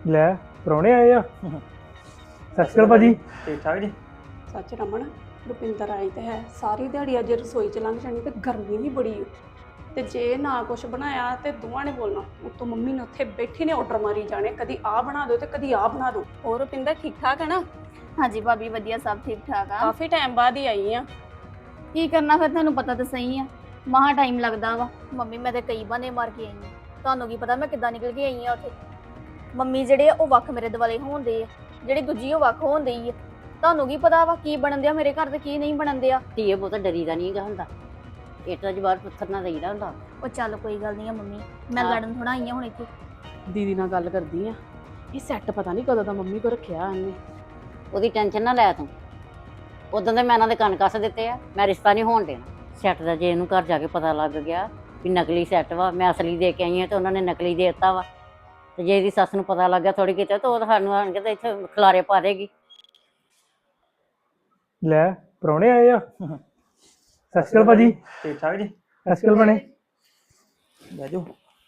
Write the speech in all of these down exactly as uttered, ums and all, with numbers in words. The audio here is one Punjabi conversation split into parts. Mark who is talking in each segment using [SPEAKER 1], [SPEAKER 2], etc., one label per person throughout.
[SPEAKER 1] ਲੈ ਪ੍ਰਾਹੁਣੇ ਆਏ ਆ। ਸਤਿ ਸ਼੍ਰੀ ਅਕਾਲ ਭਾਜੀ।
[SPEAKER 2] ਠੀਕ ਠਾਕ ਜੀ।
[SPEAKER 3] ਸੱਚ ਰਮਨ, ਰੁਪਿੰਦਰ ਆਈ ਤੇ ਹੈ ਸਾਰੀ ਦਿਹਾੜੀ ਅੱਜ ਰਸੋਈ ਚ ਲੰਘ ਜਾਣੀ ਤੇ ਗਰਮੀ ਵੀ ਬੜੀ ਓ। ਤੇ ਜੇ ਨਾ ਕੁਛ ਬਣਾਇਆ ਤੇ ਦੋਵਾਂ ਨੇ ਬੋਲਣਾ, ਉੱਤੋਂ ਮੰਮੀ ਨੇ ਉੱਥੇ ਬੈਠੀ ਨੇ ਆਰਡਰ ਮਾਰੀ ਜਾਣੇ, ਕਦੀ ਆਹ ਬਣਾ ਦਿਓ ਤੇ ਕਦੀ ਆਹ ਬਣਾ ਦਿਓ। ਹੋਰ ਰੁਪਿੰਦਰ ਠੀਕ ਠਾਕ ਹੈ ਨਾ?
[SPEAKER 4] ਹਾਂਜੀ ਭਾਬੀ ਵਧੀਆ, ਸਭ ਠੀਕ ਠਾਕ ਆ।
[SPEAKER 3] ਕਾਫੀ ਟਾਈਮ ਬਾਅਦ ਹੀ ਆਈ ਆ।
[SPEAKER 4] ਕੀ ਕਰਨਾ ਫਿਰ, ਤੁਹਾਨੂੰ ਪਤਾ ਤਾਂ ਸਹੀ ਆ, ਮਹਾ ਟਾਈਮ ਲੱਗਦਾ ਵਾ। ਮੰਮੀ ਮੈਂ ਤੇ ਕਈ ਬਹਾਨੇ ਮਾਰ ਕੇ ਆਈ ਆ, ਤੁਹਾਨੂੰ ਕੀ ਪਤਾ ਮੈਂ ਕਿੱਦਾਂ ਨਿਕਲ ਕੇ ਆਈ ਆ ਉੱਥੇ। ਮੰਮੀ ਜਿਹੜੇ ਆ ਉਹ ਵੱਖ ਮੇਰੇ ਦੁਆਲੇ ਹੋਣਦੇ ਆ, ਜਿਹੜੀ ਦੂਜੀ ਉਹ ਵੱਖ ਹੋਣ ਡਈ ਆ। ਤੁਹਾਨੂੰ ਕੀ ਪਤਾ ਵਾ ਕੀ ਬਣਨ ਦਿਆ ਮੇਰੇ ਘਰ ਤੇ ਕੀ ਨਹੀਂ ਬਣਨ ਦਿਆ।
[SPEAKER 5] ਧੀਏ ਬਹੁਤ ਡਰੀਦਾ ਨਹੀਂ ਗਾ ਹੁੰਦਾ, ਇੱਟਾਂ ਜਵਾਰ ਪੱਥਰ ਨਾ ਰਹੀਦਾ ਹੁੰਦਾ।
[SPEAKER 4] ਉਹ ਚੱਲ ਕੋਈ ਗੱਲ ਨਹੀਂ ਆ ਮੰਮੀ, ਮੈਂ
[SPEAKER 5] ਹਾਂ।
[SPEAKER 4] ਲੜਨ ਥੋੜਾ ਆਈ ਆ ਹੁਣ ਇੱਥੇ।
[SPEAKER 6] ਦੀਦੀ ਨਾਲ ਗੱਲ ਕਰਦੀ ਆ, ਇਹ ਸੈੱਟ ਪਤਾ ਨਹੀਂ ਕਦੋਂ ਦਾ ਮੰਮੀ ਕੋ ਰੱਖਿਆ ਇਹਨੇ।
[SPEAKER 5] ਉਹਦੀ ਟੈਨਸ਼ਨ ਨਾ ਲੈ ਤੂੰ, ਉਦੋਂ ਦੇ ਮੈਂ ਇਹਨਾਂ ਦੇ ਕੰਨ ਕੱਸ ਦਿੱਤੇ ਆ, ਮੈਂ ਰਿਸ਼ਤਾ ਨਹੀਂ ਹੋਣ ਦੇਣਾ ਸੈੱਟ ਦਾ। ਜੇ ਇਹਨੂੰ ਘਰ ਜਾ ਕੇ ਪਤਾ ਲੱਗ ਗਿਆ ਵੀ ਨਕਲੀ ਸੈੱਟ ਵਾ, ਮੈਂ ਅਸਲੀ ਦੇ ਕੇ ਆਈ ਹਾਂ ਤੇ ਉਹਨਾਂ ਨੇ ਨਕਲੀ ਦੇ ਦਿੱਤਾ ਵਾ, ਤੇ ਜੇ ਇਹਦੀ ਸੱਸ ਨੂੰ ਪਤਾ ਲੱਗ ਗਿਆ ਥੋੜੀ ਕਿਤੇ ਤਾਂ ਉਹ ਤਾਂ ਸਾਨੂੰ ਆਣ ਕੇ ਤੇ ਇੱਥੇ ਖਿਲਾਰੇ ਪਾ ਦੇਗੀ।
[SPEAKER 1] ਲੈ ਪ੍ਰਾਹੁਣੇ ਆਏ ਆ। ਸਤਿ ਸ਼੍ਰੀ ਅਕਾਲ ਭਾਜੀ।
[SPEAKER 2] ਠੀਕ ਠਾਕ ਜੀ।
[SPEAKER 1] ਸਤਿ ਸ਼੍ਰੀ ਅਕਾਲ ਭੈਣੇ।
[SPEAKER 2] ਬਹਿ ਜਾਓ।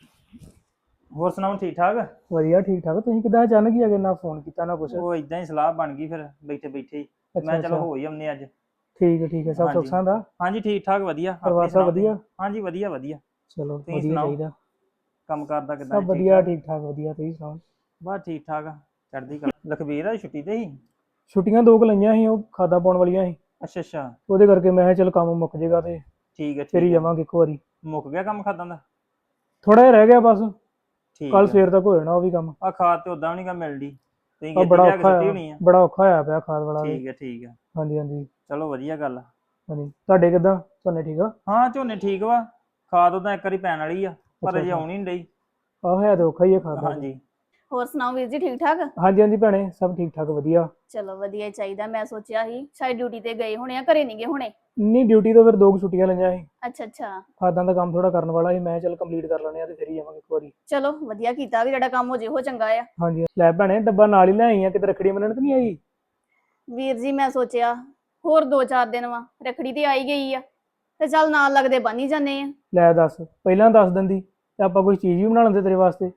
[SPEAKER 2] ਹੋਰ ਸੁਣਾਓ, ਠੀਕ ਠਾਕ?
[SPEAKER 1] ਵਧੀਆ ਠੀਕ ਠਾਕ। ਤੁਸੀਂ ਕਿੱਦਾਂ ਅਚਾਨਕ ਹੀ ਆ ਗਏ, ਨਾ ਫੋਨ ਕੀਤਾ ਨਾ ਕੁਛ?
[SPEAKER 2] ਉਹ ਇਦਾਂ ਹੀ ਸਲਾਹ ਬਣ ਗਈ ਫਿਰ ਬੈਠੇ ਬੈਠੇ ਹੀ, ਮੈਂ ਚਲੋ ਹੋ ਹੀ ਆਉਂਦੇ ਅੱਜ।
[SPEAKER 1] ਠੀਕ ਹੈ ਠੀਕ ਹੈ। ਸਭ ਸੁੱਖ
[SPEAKER 2] ਹਾਂਜੀ।
[SPEAKER 1] ਸਾਂਦਾ?
[SPEAKER 2] ਹਾਂਜੀ ਠੀਕ ਠਾਕ ਵਧੀਆ।
[SPEAKER 1] ਪਰਿਵਾਰ
[SPEAKER 2] ਆਪਣੀ
[SPEAKER 1] ਸਭ
[SPEAKER 2] ਸੁਣਾਓ
[SPEAKER 1] ਵਧੀਆ?
[SPEAKER 2] ਤੁਸੀਂ? ਹਾਂਜੀ ਵਧੀਆ ਵਧੀਆ।
[SPEAKER 1] ਚਲੋ
[SPEAKER 2] ਤੁਸੀਂ
[SPEAKER 1] ਵਧੀਆ
[SPEAKER 2] ਸੁਣਾਓ?
[SPEAKER 1] ਚਾਹੀਦਾ।
[SPEAKER 2] ਕੰਮ ਕਰਦਾ ਕਿਦਾਂ?
[SPEAKER 1] ਸਭ ਵਧੀਆ ਠੀਕ ਠਾਕ ਵਧੀਆ। ਤੁਸੀਂ ਸੁਣਾਓ?
[SPEAKER 2] ਬਸ ਠੀਕ ਠਾਕ ਆ, ਚੜ੍ਹਦੀ ਕਲਾ। ਲਖਬੀਰ ਆ ਛੁੱਟੀ ਤੇ ਹੀ?
[SPEAKER 1] ਛੁੱਟੀਆਂ ਦੋ ਕੁ ਲਈਆਂ ਸੀ, ਉਹ ਖਾਦਾ ਪਾਉਣ ਵਾਲੀਆਂ ਸੀ,
[SPEAKER 2] ਅੱਛਾ ਅੱਛਾ।
[SPEAKER 1] ਉਹਦੇ ਕਰਕੇ ਮੈਂ ਕਿਹਾ ਚਲ ਕੰਮ ਮੁੱਕ ਜੇਗਾ ਤੇ
[SPEAKER 2] ਠੀਕ ਹੈ
[SPEAKER 1] ਫਿਰ ਹੀ
[SPEAKER 2] ਠੀਕ ਹੈ।
[SPEAKER 1] ਜਾਵਾਂਗੇ ਇੱਕ ਵਾਰੀ।
[SPEAKER 2] ਮੁੱਕ ਗਿਆ ਕੰਮ ਖਾਦਾਂ ਦਾ?
[SPEAKER 1] ਥੋੜਾ ਜਿਹਾ ਰਹਿ ਗਿਆ ਬਸ,
[SPEAKER 2] ਠੀਕ
[SPEAKER 1] ਕੱਲ
[SPEAKER 2] ਆ।
[SPEAKER 1] ਸਵੇਰ ਤੱਕ ਹੋ ਜਾਣਾ ਉਹ ਵੀ ਕੰਮ।
[SPEAKER 2] ਆ ਖਾਦ ਤੇ ਉਦਾਂ ਵੀ ਨਹੀਂ ਗਾ ਮਿਲਦੀ, ਤੁਸੀਂ
[SPEAKER 1] ਆ
[SPEAKER 2] ਕਿਤੇ
[SPEAKER 1] ਬੜਾ
[SPEAKER 2] ਲਿਆ ਕੇ
[SPEAKER 1] ਔਖਾ
[SPEAKER 2] ਸੁੱਟੀ
[SPEAKER 1] ਆ,
[SPEAKER 2] ਹੋਣੀ ਆ।
[SPEAKER 1] ਬੜਾ ਔਖਾ ਹੋਇਆ ਪਿਆ ਖਾਦ ਵਾਲਾ ਵੀ।
[SPEAKER 2] ਠੀਕ ਹੈ ਠੀਕ ਹੈ।
[SPEAKER 1] ਹਾਂਜੀ ਹਾਂਜੀ
[SPEAKER 2] ਚਲੋ ਵਧੀਆ ਗੱਲ ਆ।
[SPEAKER 1] ਹਾਂਜੀ। ਤੁਹਾਡੇ ਕਿੱਦਾਂ, ਝੋਨੇ ਠੀਕ ਆ?
[SPEAKER 2] ਹਾਂ ਝੋਨੇ ਠੀਕ ਵਾ, ਖਾਦ ਉਦਾਂ ਇੱਕ ਵਾਰੀ ਪੈਣ ਵਾਲੀ ਆ ਪਰ
[SPEAKER 1] ਅੱਛਾ,
[SPEAKER 2] ਅਜੇ
[SPEAKER 1] ਅੱਛਾ।
[SPEAKER 2] ਆਉਣੀ ਨਹੀਂ ਡਈ।
[SPEAKER 1] ਆਹ ਹੈ ਤੇ ਔਖਾ ਹੀ ਹੈ ਖਾਦ ਦਾ।
[SPEAKER 2] ਹਾਂਜੀ।
[SPEAKER 4] ਹੋਰ ਸੁਣਾਓ ਵੀਰ ਜੀ, ਠੀਕ ਠਾਕ?
[SPEAKER 1] ਹਾਂਜੀ ਹਾਂਜੀ ਭੈਣੇ, ਸਭ ਠੀਕ ਠਾਕ ਵਧੀਆ।
[SPEAKER 4] ਚਲੋ ਵਧੀਆ ਹੀ ਚਾਹੀਦਾ। ਮੈਂ ਸੋਚਿਆ ਸੀ ਸ਼ਾਇਦ ਡਿਊਟੀ ਤੇ ਗਏ ਹੋਣੇ ਆ, ਘਰੇ ਨਹੀਂ ਗਏ ਹੋਣੇ।
[SPEAKER 1] ਨਹੀਂ, ਡਿਊਟੀ ਤੋਂ ਫਿਰ ਦੋ ਕੁ ਛੁੱਟੀਆਂ ਲਈਆਂ ਸੀ।
[SPEAKER 4] ਅੱਛਾ ਅੱਛਾ।
[SPEAKER 1] ਖਾਦਾਂ ਦਾ ਕੰਮ ਥੋੜਾ ਕਰਨ ਵਾਲਾ ਸੀ, ਮੈਂ ਚਲ ਕੰਪਲੀਟ ਕਰ ਲੈਣੇ ਆ ਤੇ ਫਿਰ ਹੀ ਜਾਵਾਂਗੇ ਇੱਕ ਵਾਰੀ।
[SPEAKER 4] ਚਲੋ ਵਧੀਆ ਕੀਤਾ, ਵੀ ਜਿਹੜਾ ਕੰਮ ਹੋ ਜੇ ਉਹ ਚੰਗਾ ਆ।
[SPEAKER 1] ਹਾਂਜੀ। ਲੈ ਭੈਣੇ, ਡੱਬਾ ਨਾਲ ਹੀ ਲੈ ਆਈ ਆ, ਕਿਤੇ ਰੱਖੜੀ ਬੰਨਣ ਤੇ ਨਹੀਂ ਆਈ?
[SPEAKER 4] ਵੀਰ ਜੀ ਮੈਂ ਸੋਚਿਆ ਹੋਰ ਦੋ ਚਾਰ ਦਿਨ ਵਾ, ਰੱਖੜੀ ਤੇ ਆਈ ਗਈ ਆ ਤੇ ਚੱਲ ਨਾਲ ਲੱਗਦੇ ਬਣ ਹੀ ਜਾਂਦੇ ਆ।
[SPEAKER 1] ਲੈ ਦੱਸ, ਪਹਿਲਾਂ ਦੱਸ ਦਿੰਦੀ ਤੇ ਆਪਾਂ ਕੋਈ ਚੀਜ਼ ਵੀ ਬਣਾ ਲੈਂਦੇ ਤੇਰੇ ਵਾਸਤੇ।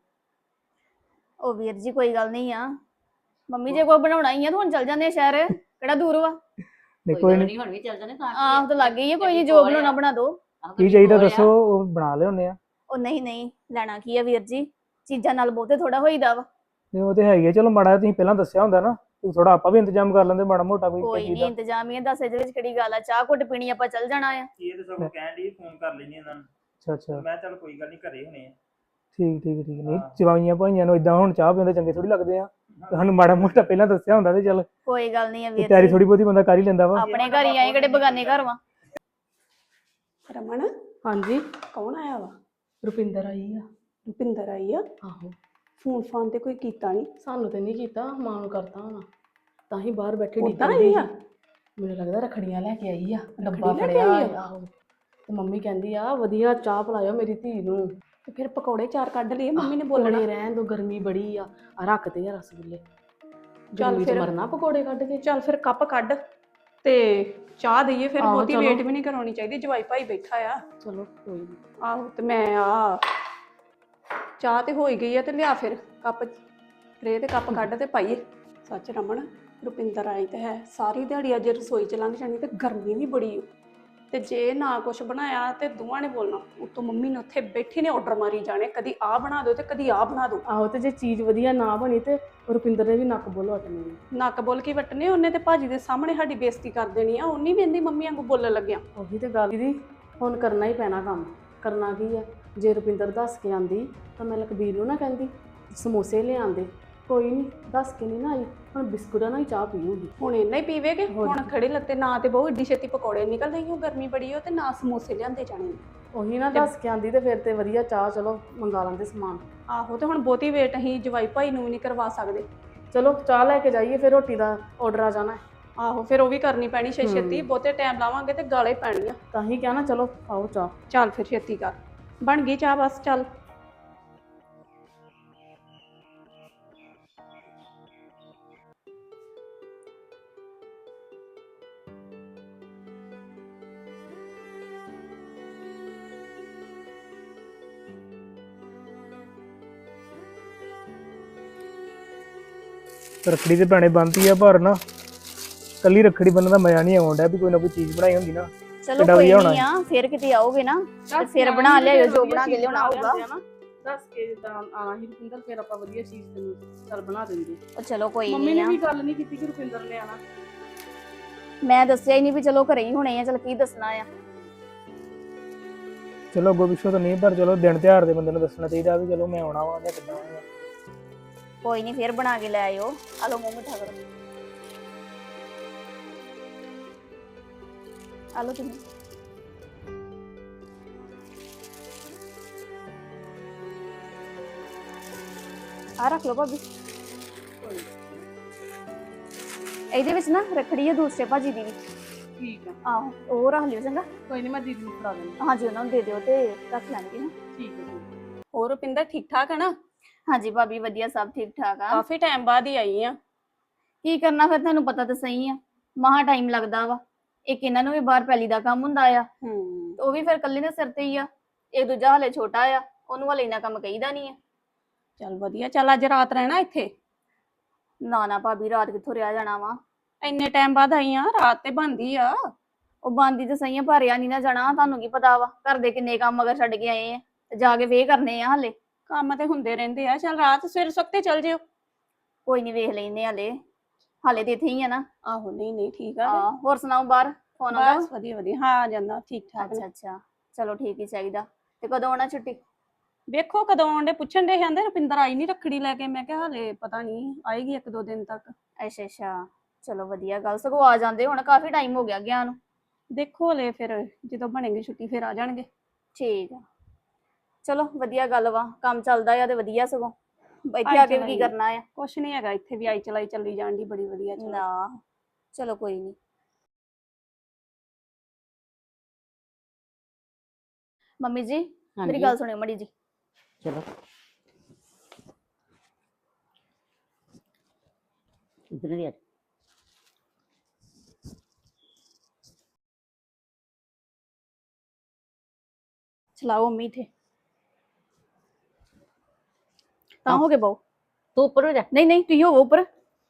[SPEAKER 4] ਉਹ ਵੀਰ ਜੀ ਕੋਈ ਗੱਲ ਨਹੀਂ ਆ, ਮੰਮੀ ਜੇ ਕੋਈ ਬਣਾਉਣਾ ਹੀ ਆ ਤਾਂ ਹੁਣ ਚੱਲ ਜਾਂਦੇ ਆ ਸ਼ਹਿਰ, ਕਿਹੜਾ ਦੂਰ ਵਾ।
[SPEAKER 1] ਨਹੀਂ ਕੋਈ ਨਹੀਂ,
[SPEAKER 5] ਹੁਣ ਵੀ ਚੱਲ ਜਾਣੇ ਤਾਂ
[SPEAKER 4] ਆਹ ਤਾਂ ਲੱਗ ਗਈ ਆ, ਕੋਈ ਨਹੀਂ ਜੋ ਬਣਾਉਣਾ ਬਣਾ ਦੋ।
[SPEAKER 1] ਕੀ ਚਾਹੀਦਾ ਦੱਸੋ, ਉਹ ਬਣਾ ਲਿਆਉਂਦੇ ਆ।
[SPEAKER 4] ਉਹ ਨਹੀਂ ਨਹੀਂ, ਲੈਣਾ ਕੀ ਆ ਵੀਰ ਜੀ, ਚੀਜ਼ਾਂ ਨਾਲ ਬਹੁਤੇ ਥੋੜਾ ਹੋਈਦਾ ਵਾ।
[SPEAKER 1] ਨਹੀਂ ਉਹ ਤੇ ਹੈ ਹੀ ਆ, ਚਲੋ ਮਾੜਾ ਜਿਹਾ ਤੁਸੀਂ ਪਹਿਲਾਂ ਦੱਸਿਆ ਹੁੰਦਾ ਨਾ, ਥੋੜਾ ਆਪਾਂ ਵੀ ਇੰਤਜ਼ਾਮ ਕਰ ਲੈਂਦੇ ਮਾੜਾ ਮੋਟਾ ਕੋਈ
[SPEAKER 4] ਕੋਈ
[SPEAKER 1] ਚੀਜ਼
[SPEAKER 4] ਨਹੀਂ
[SPEAKER 1] ਦਾ।
[SPEAKER 4] ਇੰਤਜ਼ਾਮ ਹੀ ਆ, ਦੱਸ ਇਹਦੇ ਵਿੱਚ ਕਿਹੜੀ ਗੱਲ ਆ, ਚਾਹ ਘੁੱਟ ਪੀਣੀ ਆਪਾਂ ਚੱਲ ਜਾਣਾ ਆ।
[SPEAKER 2] ਇਹ ਤਾਂ ਸਭ ਕਹਿਣ ਦੀ ਫੋਨ ਕਰ ਲੈਣੀ ਇਹਨਾਂ ਨੂੰ,
[SPEAKER 1] ਅੱਛਾ ਅੱਛਾ।
[SPEAKER 2] ਮੈਂ ਚੱਲ ਕੋਈ ਗੱਲ ਨਹੀਂ ਘਰੇ ਹੋਣੇ ਆ।
[SPEAKER 1] ਠੀਕ ਠੀਕ ਠੀਕ। ਨਹੀਂ
[SPEAKER 2] ਹਾਂ।
[SPEAKER 1] ਜਵਾਈਆਂ ਭਾਈਆਂ ਨੂੰ ਇਦਾਂ ਹੁਣ ਚਾਹ ਪੀਂਦੇ ਚੰਗੇ ਥੋੜੀ ਲੱਗਦੇ ਆ, ਸਾਨੂੰ ਮਾੜਾ ਮੋਟਾ ਪਹਿਲਾਂ ਦੱਸਿਆ ਹੁੰਦਾ ਤੇ ਚੱਲ
[SPEAKER 4] ਕੋਈ ਗੱਲ ਨਹੀਂ ਆ ਵੀਰ
[SPEAKER 1] ਤਿਆਰੀ
[SPEAKER 4] ਜੀ,
[SPEAKER 1] ਥੋੜੀ ਬਹੁਤੀ ਬੰਦਾ ਕਰ ਹੀ ਲੈਂਦਾ ਵਾ।
[SPEAKER 4] ਆਪਣੇ ਘਰ ਹੀ ਆਏ, ਕਿਹੜੇ ਬਗਾਨੇ ਘਰ ਵਾ।
[SPEAKER 3] ਰਮਨ,
[SPEAKER 6] ਹਾਂਜੀ,
[SPEAKER 3] ਕੌਣ ਆਇਆ ਵਾ?
[SPEAKER 6] ਰੁਪਿੰਦਰ ਆਈ ਆ।
[SPEAKER 3] ਰੁਪਿੰਦਰ ਆਈ ਆ?
[SPEAKER 6] ਆਹੋ,
[SPEAKER 3] ਫੋਨ ਫਾਨ ਤੇ ਕੋਈ ਕੀਤਾ ਨਹੀਂ?
[SPEAKER 6] ਸਾਨੂੰ ਤੇ ਨਹੀਂ ਕੀਤਾ, ਮਾਂ ਨੂੰ ਕਰਤਾ ਹੋਣਾ, ਤਾਂ ਹੀ ਬਾਹਰ ਬੈਠੀ
[SPEAKER 3] ਉੱਦਾਂ
[SPEAKER 6] ਡਿੱਗਦੀ
[SPEAKER 3] ਆਈ ਆ?
[SPEAKER 6] ਮੈਨੂੰ ਲੱਗਦਾ ਰੱਖੜੀਆਂ ਲੈ ਕੇ ਆਈ ਆ, ਡੱਬਾ
[SPEAKER 3] ਰੱਖੜੀ ਲੈ ਕੇ
[SPEAKER 6] ਫੜਿਆ
[SPEAKER 3] ਆਈ ਆ?
[SPEAKER 6] ਆਹੋ। ਤੇ ਮੰਮੀ ਕਹਿੰਦੀ ਆ ਵਧੀਆ ਚਾਹ ਪਿਲਾਇਓ ਮੇਰੀ ਧੀ ਨੂੰ।
[SPEAKER 3] ਤੇ ਫਿਰ ਪਕੌੜੇ ਚਾਰ ਕੱਢ ਲਏ, ਮੰਮੀ ਨੇ
[SPEAKER 6] ਪਕੌੜੇ
[SPEAKER 3] ਬੋਲਣਾ।
[SPEAKER 6] ਰਹਿਣ ਦੋ, ਗਰਮੀ ਬੜੀ ਆ, ਆ ਰੱਖਦੇ ਆ ਰਸਗੁੱਲੇ।
[SPEAKER 3] ਚੱਲ
[SPEAKER 6] ਗਰਮੀ ਚ
[SPEAKER 3] ਫਿਰ।
[SPEAKER 6] ਮਰਨਾ ਪਕੌੜੇ ਕੱਢ ਕੇ।
[SPEAKER 3] ਚੱਲ ਫਿਰ ਕੱਪ ਕੱਢ ਤੇ ਚਾਹ ਦਈਏ, ਫਿਰ
[SPEAKER 6] ਆਹੋ,
[SPEAKER 3] ਬਹੁਤੀ
[SPEAKER 6] ਚਲੋ।
[SPEAKER 3] ਵੇਟ ਵੀ ਨਹੀਂ ਕਰਾਉਣੀ ਚਾਹੀਦੀ, ਜਵਾਈ ਭਾਈ ਬੈਠਾ ਆ।
[SPEAKER 6] ਚਲੋ ਕੋਈ ਨੀ।
[SPEAKER 3] ਆਹੋ ਤੇ ਮੈਂ ਆ ਚਾਹ ਤੇ ਹੋ ਹੀ ਗਈ ਆ, ਤੇ ਲਿਆ ਫਿਰ ਕੱਪ ਟਰੇ ਤੇ ਕੱਪ ਕੱਢ ਤੇ ਪਾਈਏ। ਸੱਚ ਰਮਨ, ਰੁਪਿੰਦਰ ਆਈ ਤੇ ਹੈ ਸਾਰੀ ਦਿਹਾੜੀ ਅੱਜ ਰਸੋਈ ਚ ਲੰਘ ਜਾਣੀ ਤੇ ਗਰਮੀ ਵੀ ਬੜੀ ਓ। ਤੇ ਜੇ ਨਾ ਕੁਛ ਬਣਾਇਆ ਤੇ ਦੋਵਾਂ ਨੇ ਬੋਲਣਾ, ਉੱਤੋਂ ਮੰਮੀ ਨੇ ਉੱਥੇ ਬੈਠੀ ਨੇ ਆਰਡਰ ਮਾਰੀ ਜਾਣੇ, ਕਦੀ ਆਹ ਬਣਾ ਦਿਓ ਤੇ ਕਦੀ ਆਹ ਬਣਾ ਦਿਓ।
[SPEAKER 6] ਆਹੋ, ਤੇ ਜੇ ਚੀਜ਼ ਵਧੀਆ ਨਾ ਬਣੀ ਤੇ ਰੁਪਿੰਦਰ ਨੇ ਵੀ ਨੱਕ ਬੋਲ ਵਟਣੀ ਆ।
[SPEAKER 3] ਨੱਕ ਬੋਲ ਕੇ ਵੱਟਨੇ, ਉਹਨੇ ਤੇ ਭਾਜੀ ਦੇ ਸਾਹਮਣੇ ਸਾਡੀ ਬੇਇੱਜ਼ਤੀ ਕਰ ਦੇਣੀ ਆ। ਉਹਨੀ ਵੀ ਇਹਦੀ ਮੰਮੀ ਵਾਂਗੂ ਬੋਲਣ ਲੱਗਿਆ।
[SPEAKER 6] ਉਹੀ ਤੇ ਗੱਲ ਦੀਦੀ, ਹੁਣ ਕਰਨਾ ਹੀ ਪੈਣਾ ਕੰਮ। ਕਰਨਾ ਕੀ ਆ, ਜੇ ਰੁਪਿੰਦਰ ਦੱਸ ਕੇ ਆਂਦੀ ਤਾਂ ਮੈਂ ਲਖਬੀਰ ਨੂੰ ਨਾ ਕਹਿੰਦੀ ਸਮੋਸੇ ਲਿਆਂਦੇ। ਕੋਈ ਨਹੀਂ, ਦੱਸ ਕੇ ਨਹੀਂ ਨਾ ਆਈ, ਹੁਣ ਬਿਸਕੁਟਾਂ ਨਾਲ ਹੀ ਚਾਹ ਪੀਊਗੀ।
[SPEAKER 3] ਹੁਣ ਇੰਨਾ ਹੀ ਪੀਵੇਗੇ, ਹੁਣ ਖੜੇ ਲੱਤੇ ਨਾ ਤੇ ਬਹੁਤ ਏਡੀ ਛੇਤੀ ਪਕੌੜੇ ਨਿਕਲ ਰਹੀ, ਗਰਮੀ ਬੜੀ ਹੋ, ਤੇ ਨਾ ਸਮੋਸੇ ਲਿਆਂਦੇ ਜਾਣੇ।
[SPEAKER 6] ਉਹੀ ਨਾ ਦੱਸ ਕੇ ਆਂਦੀ ਤੇ ਫਿਰ ਤੇ ਵਧੀਆ ਚਾਹ, ਚਲੋ ਮੰਗਾ ਲੈਂਦੇ ਸਮਾਨ।
[SPEAKER 3] ਆਹੋ, ਤੇ ਹੁਣ ਬਹੁਤੀ ਵੇਟ ਅਸੀਂ ਜਵਾਈ ਭਾਈ ਨੂੰ ਵੀ ਨਹੀਂ ਕਰਵਾ ਸਕਦੇ।
[SPEAKER 6] ਚਲੋ ਚਾਹ ਲੈ ਕੇ ਜਾਈਏ, ਫਿਰ ਰੋਟੀ ਦਾ ਆਰਡਰ ਆ ਜਾਣਾ ਹੈ।
[SPEAKER 3] ਆਹੋ, ਫਿਰ ਉਹ ਵੀ ਕਰਨੀ ਪੈਣੀ ਛੇ ਛੇਤੀ, ਬਹੁਤੇ ਟਾਈਮ ਲਾਵਾਂਗੇ ਤੇ ਗਾਲੇ ਪੈਣੀਆਂ।
[SPEAKER 6] ਤਾਂ ਹੀ ਕਿਹਾ ਨਾ, ਚਲੋ ਆਓ ਚਾਹ।
[SPEAKER 3] ਚੱਲ ਫਿਰ ਛੇਤੀ ਕਰ, ਬਣ ਗਈ ਚਾਹ ਬਸ, ਚੱਲ।
[SPEAKER 1] ਰੱਖੜੀ ਤੇ ਭੈਣੇ ਬੰਨਤੀ ਆ ਪਰ ਨਾ ਕੱਲੀ ਰੱਖੜੀ ਬੰਨਣ ਦਾ ਮਜ਼ਾ ਨਹੀਂ ਆਉਂਦਾ ਵੀ ਕੋਈ ਨਾ ਕੋਈ ਚੀਜ਼ ਬਣਾਈ ਹੁੰਦੀ ਨਾ।
[SPEAKER 4] ਚਲੋ
[SPEAKER 1] ਕਿੱਡਾ
[SPEAKER 4] ਕੋਈ
[SPEAKER 1] ਵਧੀਆ ਹੋਣਾ
[SPEAKER 4] ਨਹੀਂ ਆ ਫਿਰ ਕਿਤੇ ਆਓਗੇ ਨਾ ਤੇ ਫਿਰ ਬਣਾ ਲਿਆਇਓ ਜੋ ਬਣਾ ਕੇ ਲਿਆਉਣਾ ਹੋਊਗਾ।
[SPEAKER 6] ਦੱਸ ਕੇ ਜਿੱਦਾਂ ਆਣਾ ਹੀ ਰੁਪਿੰਦਰ, ਫਿਰ ਆਪਾਂ ਵਧੀਆ ਚੀਜ਼ ਤੈਨੂੰ ਚੱਲ ਬਣਾ ਦਿੰਦੇ।
[SPEAKER 4] ਉਹ ਚਲੋ ਕੋਈ
[SPEAKER 6] ਮੰਮੀ
[SPEAKER 4] ਨਹੀਂ
[SPEAKER 6] ਨੇ
[SPEAKER 4] ਆ
[SPEAKER 6] ਵੀ ਗੱਲ ਨਹੀਂ ਕੀਤੀ ਕਿ ਰੁਪਿੰਦਰ ਨੇ ਆਣਾ।
[SPEAKER 4] ਮੈਂ ਦੱਸਿਆ ਹੀ ਨਹੀਂ ਵੀ ਚਲੋ ਘਰੇ ਹੀ ਹੋਣੇ ਆ, ਚਲ ਕੀ ਦੱਸਣਾ ਆ।
[SPEAKER 1] ਚਲੋ ਅੱਗੋਂ ਪਿੱਛੋਂ ਤਾਂ ਨਹੀਂ, ਪਰ ਚਲੋ ਦਿਨ ਤਿਉਹਾਰ ਦੇ ਬੰਦੇ ਨੂੰ ਦੱਸਣਾ ਚਾਹੀਦਾ ਵੀ ਚਲੋ ਮੈਂ ਆਉਣਾ ਵਾ ਜਾਂ ਕਿੱਦਾਂ ਆਉਣਾ।
[SPEAKER 4] ਕੋਈ ਨਹੀਂ ਫਿਰ ਬਣਾ ਕੇ ਲੈ ਆਇਓ। ਆ ਲਓ ਮੂੰਹ ਮਿੱਠਾ ਕਰੋ। ਆ ਲਓ ਤੁਸੀਂ। ਆ ਰੱਖ ਲਓ ਭਾਬੀ। ਇਹਦੇ ਵਿੱਚ ਨਾ ਰੱਖੜੀ ਹੈ ਦੂਸਰੇ ਭਾਜੀ ਦੀ ਵੀ।
[SPEAKER 6] ਠੀਕ ਆ,
[SPEAKER 4] ਆਹੋ ਉਹ ਰੱਖ ਲਿਓ ਚੰਗਾ।
[SPEAKER 6] ਕੋਈ ਨਹੀਂ ਮੈਂ ਦੀਦੀ ਨੂੰ ਫੜਾ ਦਿੰਦੀ।
[SPEAKER 4] ਹਾਂਜੀ ਉਹਨਾਂ ਨੂੰ ਦੇ ਦਿਓ ਤੇ ਰੱਖ ਲੈਣਗੇ ਨਾ।
[SPEAKER 6] ਠੀਕ ਹੈ ਜੀ।
[SPEAKER 3] ਹੋਰ ਰੁਪਿੰਦਰ ਠੀਕ ਠਾਕ ਹੈ ਨਾ?
[SPEAKER 4] ਹਾਂਜੀ ਭਾਬੀ ਵਧੀਆ, ਸਭ ਠੀਕ ਠਾਕ ਆ।
[SPEAKER 3] ਕਾਫੀ ਟਾਈਮ ਬਾਅਦ ਹੀ ਆਈ ਆ।
[SPEAKER 4] ਕੀ ਕਰਨਾ ਫਿਰ, ਤੁਹਾਨੂੰ ਪਤਾ ਤਾਂ ਸਹੀ ਆ ਮਹਾ ਟਾਈਮ ਲੱਗਦਾ ਵਾ। ਇੱਕ ਇਹਨਾਂ ਨੂੰ ਵੀ ਬਾਹਰ ਪੈਲੀ ਦਾ ਕੰਮ ਹੁੰਦਾ ਆ,
[SPEAKER 3] ਹੂੰ
[SPEAKER 4] ਉਹ ਵੀ ਫਿਰ ਇਕੱਲੇ ਦੇ ਸਿਰ ਤੇ ਹੀ ਆ। ਇਹ ਦੂਜਾ ਹਲੇ ਛੋਟਾ ਆ, ਉਹਨੂੰ ਹਲੇ ਇੰਨਾ ਕੰਮ ਕਹੀਦਾ ਨਹੀਂ ਆ।
[SPEAKER 3] ਚੱਲ ਵਧੀਆ। ਚੱਲ ਅੱਜ ਰਾਤ ਰਹਿਣਾ ਇੱਥੇ?
[SPEAKER 4] ਨਾ ਨਾ ਭਾਬੀ ਰਾਤ ਕਿੱਥੋਂ ਰਿਹਾ ਜਾਣਾ ਵਾ।
[SPEAKER 3] ਇੰਨੇ ਟਾਈਮ ਬਾਅਦ ਆਈ ਆ, ਰਾਤ ਤੇ ਬਣਦੀ ਆ।
[SPEAKER 4] ਉਹ ਬੰਦੀ ਤਾਂ ਸਹੀ ਆ ਪਰ ਰਿਆ ਨਹੀਂ ਨਾ ਜਾਣਾ। ਤੁਹਾਨੂੰ ਕੀ ਪਤਾ ਵਾ ਘਰ ਦੇ ਕਿੰਨੇ ਕੰਮ ਮਗਰ ਛੱਡ ਕੇ ਆਏ ਆ ਤੇ ਜਾ ਕੇ ਵੇ ਕਰਨੇ ਆ ਹਲੇ।
[SPEAKER 3] ਕੰਮ ਤੇ ਹੁੰਦੇ ਰਹਿੰਦੇ ਆ। ਚੱਲ ਰਾਤ ਸਵੇਰ ਸੁੱਤੇ ਚੱਲ ਜਿਓ।
[SPEAKER 4] ਕੋਈ ਨਹੀਂ ਵੇਖ ਲੈਨੇ ਹਲੇ, ਹਾਲੇ ਤੇ ਇੱਥੇ ਹੀ ਆ ਨਾ।
[SPEAKER 3] ਆਹੋ ਨਹੀਂ ਨਹੀਂ ਠੀਕ ਆ।
[SPEAKER 4] ਹਾਂ ਹੋਰ ਸੁਣਾਓ, ਬਾਹਰ ਫੋਨ ਆਉਂਦਾ?
[SPEAKER 3] ਬਸ ਵਧੀਆ ਵਧੀਆ। ਹਾਂ ਆ ਜਾਂਦਾ ਠੀਕ ਠਾਕ
[SPEAKER 4] ਅੱਛਾ
[SPEAKER 3] ਨੇ।
[SPEAKER 4] ਅੱਛਾ ਚਲੋ ਠੀਕ ਹੀ ਚਾਹੀਦਾ। ਤੇ ਕਦੋਂ ਆਉਣਾ ਛੁੱਟੀ?
[SPEAKER 3] ਵੇਖੋ ਕਦੋਂ ਆਉਂਦੇ, ਪੁੱਛਣ ਦੇ ਕਹਿੰਦੇ ਰੁਪਿੰਦਰ ਆਈ ਨਹੀਂ ਰੱਖੜੀ ਲੈ ਕੇ। ਮੈਂ ਕਿਹਾ ਹਲੇ ਪਤਾ ਨਹੀਂ, ਆਏਗੀ ਇੱਕ ਦੋ ਦਿਨ ਤੱਕ।
[SPEAKER 4] ਅੱਛਾ ਅੱਛਾ ਚਲੋ ਵਧੀਆ ਗੱਲ, ਸਗੋਂ ਆ ਜਾਂਦੇ ਹੁਣ ਕਾਫੀ ਟਾਈਮ ਹੋ ਗਿਆ ਗਿਆ ਨੂੰ।
[SPEAKER 3] ਦੇਖੋ ਹਲੇ ਫਿਰ ਜਦੋਂ ਬਣੇਗੀ ਛੁੱਟੀ ਫਿਰ ਆ ਜਾਣਗੇ।
[SPEAKER 4] ਠੀਕ ਆ ਚਲੋ ਵਧੀਆ ਗੱਲ ਵਾ, ਕੰਮ ਚੱਲਦਾ ਆ ਤੇ ਵਧੀਆ। ਸਗੋਂ ਇੱਥੇ ਆ ਕੇ ਵੀ ਕੀ ਕਰਨਾ ਆ।
[SPEAKER 3] ਕੁਛ ਨਹੀਂ ਹੈਗਾ ਇੱਥੇ ਵੀ, ਆਈ ਚਲਾਈ ਚੱਲੀ ਜਾਣ ਦੀ ਬੜੀ ਵਧੀਆ। ਚਲੋ
[SPEAKER 4] ਨਾ ਚਲੋ ਕੋਈ ਨਹੀਂ। ਮੰਮੀ ਜੀ ਮੇਰੀ
[SPEAKER 5] ਹਾਂਜੀ
[SPEAKER 4] ਗੱਲ ਸੁਣਿਓ ਮੜੀ ਜੀ।
[SPEAKER 5] ਚਲੋ ਇਧਰ ਦੀ ਆ।
[SPEAKER 4] ਚਲਾਓ ਮੰਮੀ ਇੱਥੇ ਤਾਂ ਹੋ ਗਏ ਬਹੁ।
[SPEAKER 5] ਤੂੰ ਉੱਪਰ ਹੋ ਜਾ।
[SPEAKER 4] ਨਹੀਂ ਨਹੀਂ ਤੁਸੀਂ ਹੋਵੋ ਉੱਪਰ।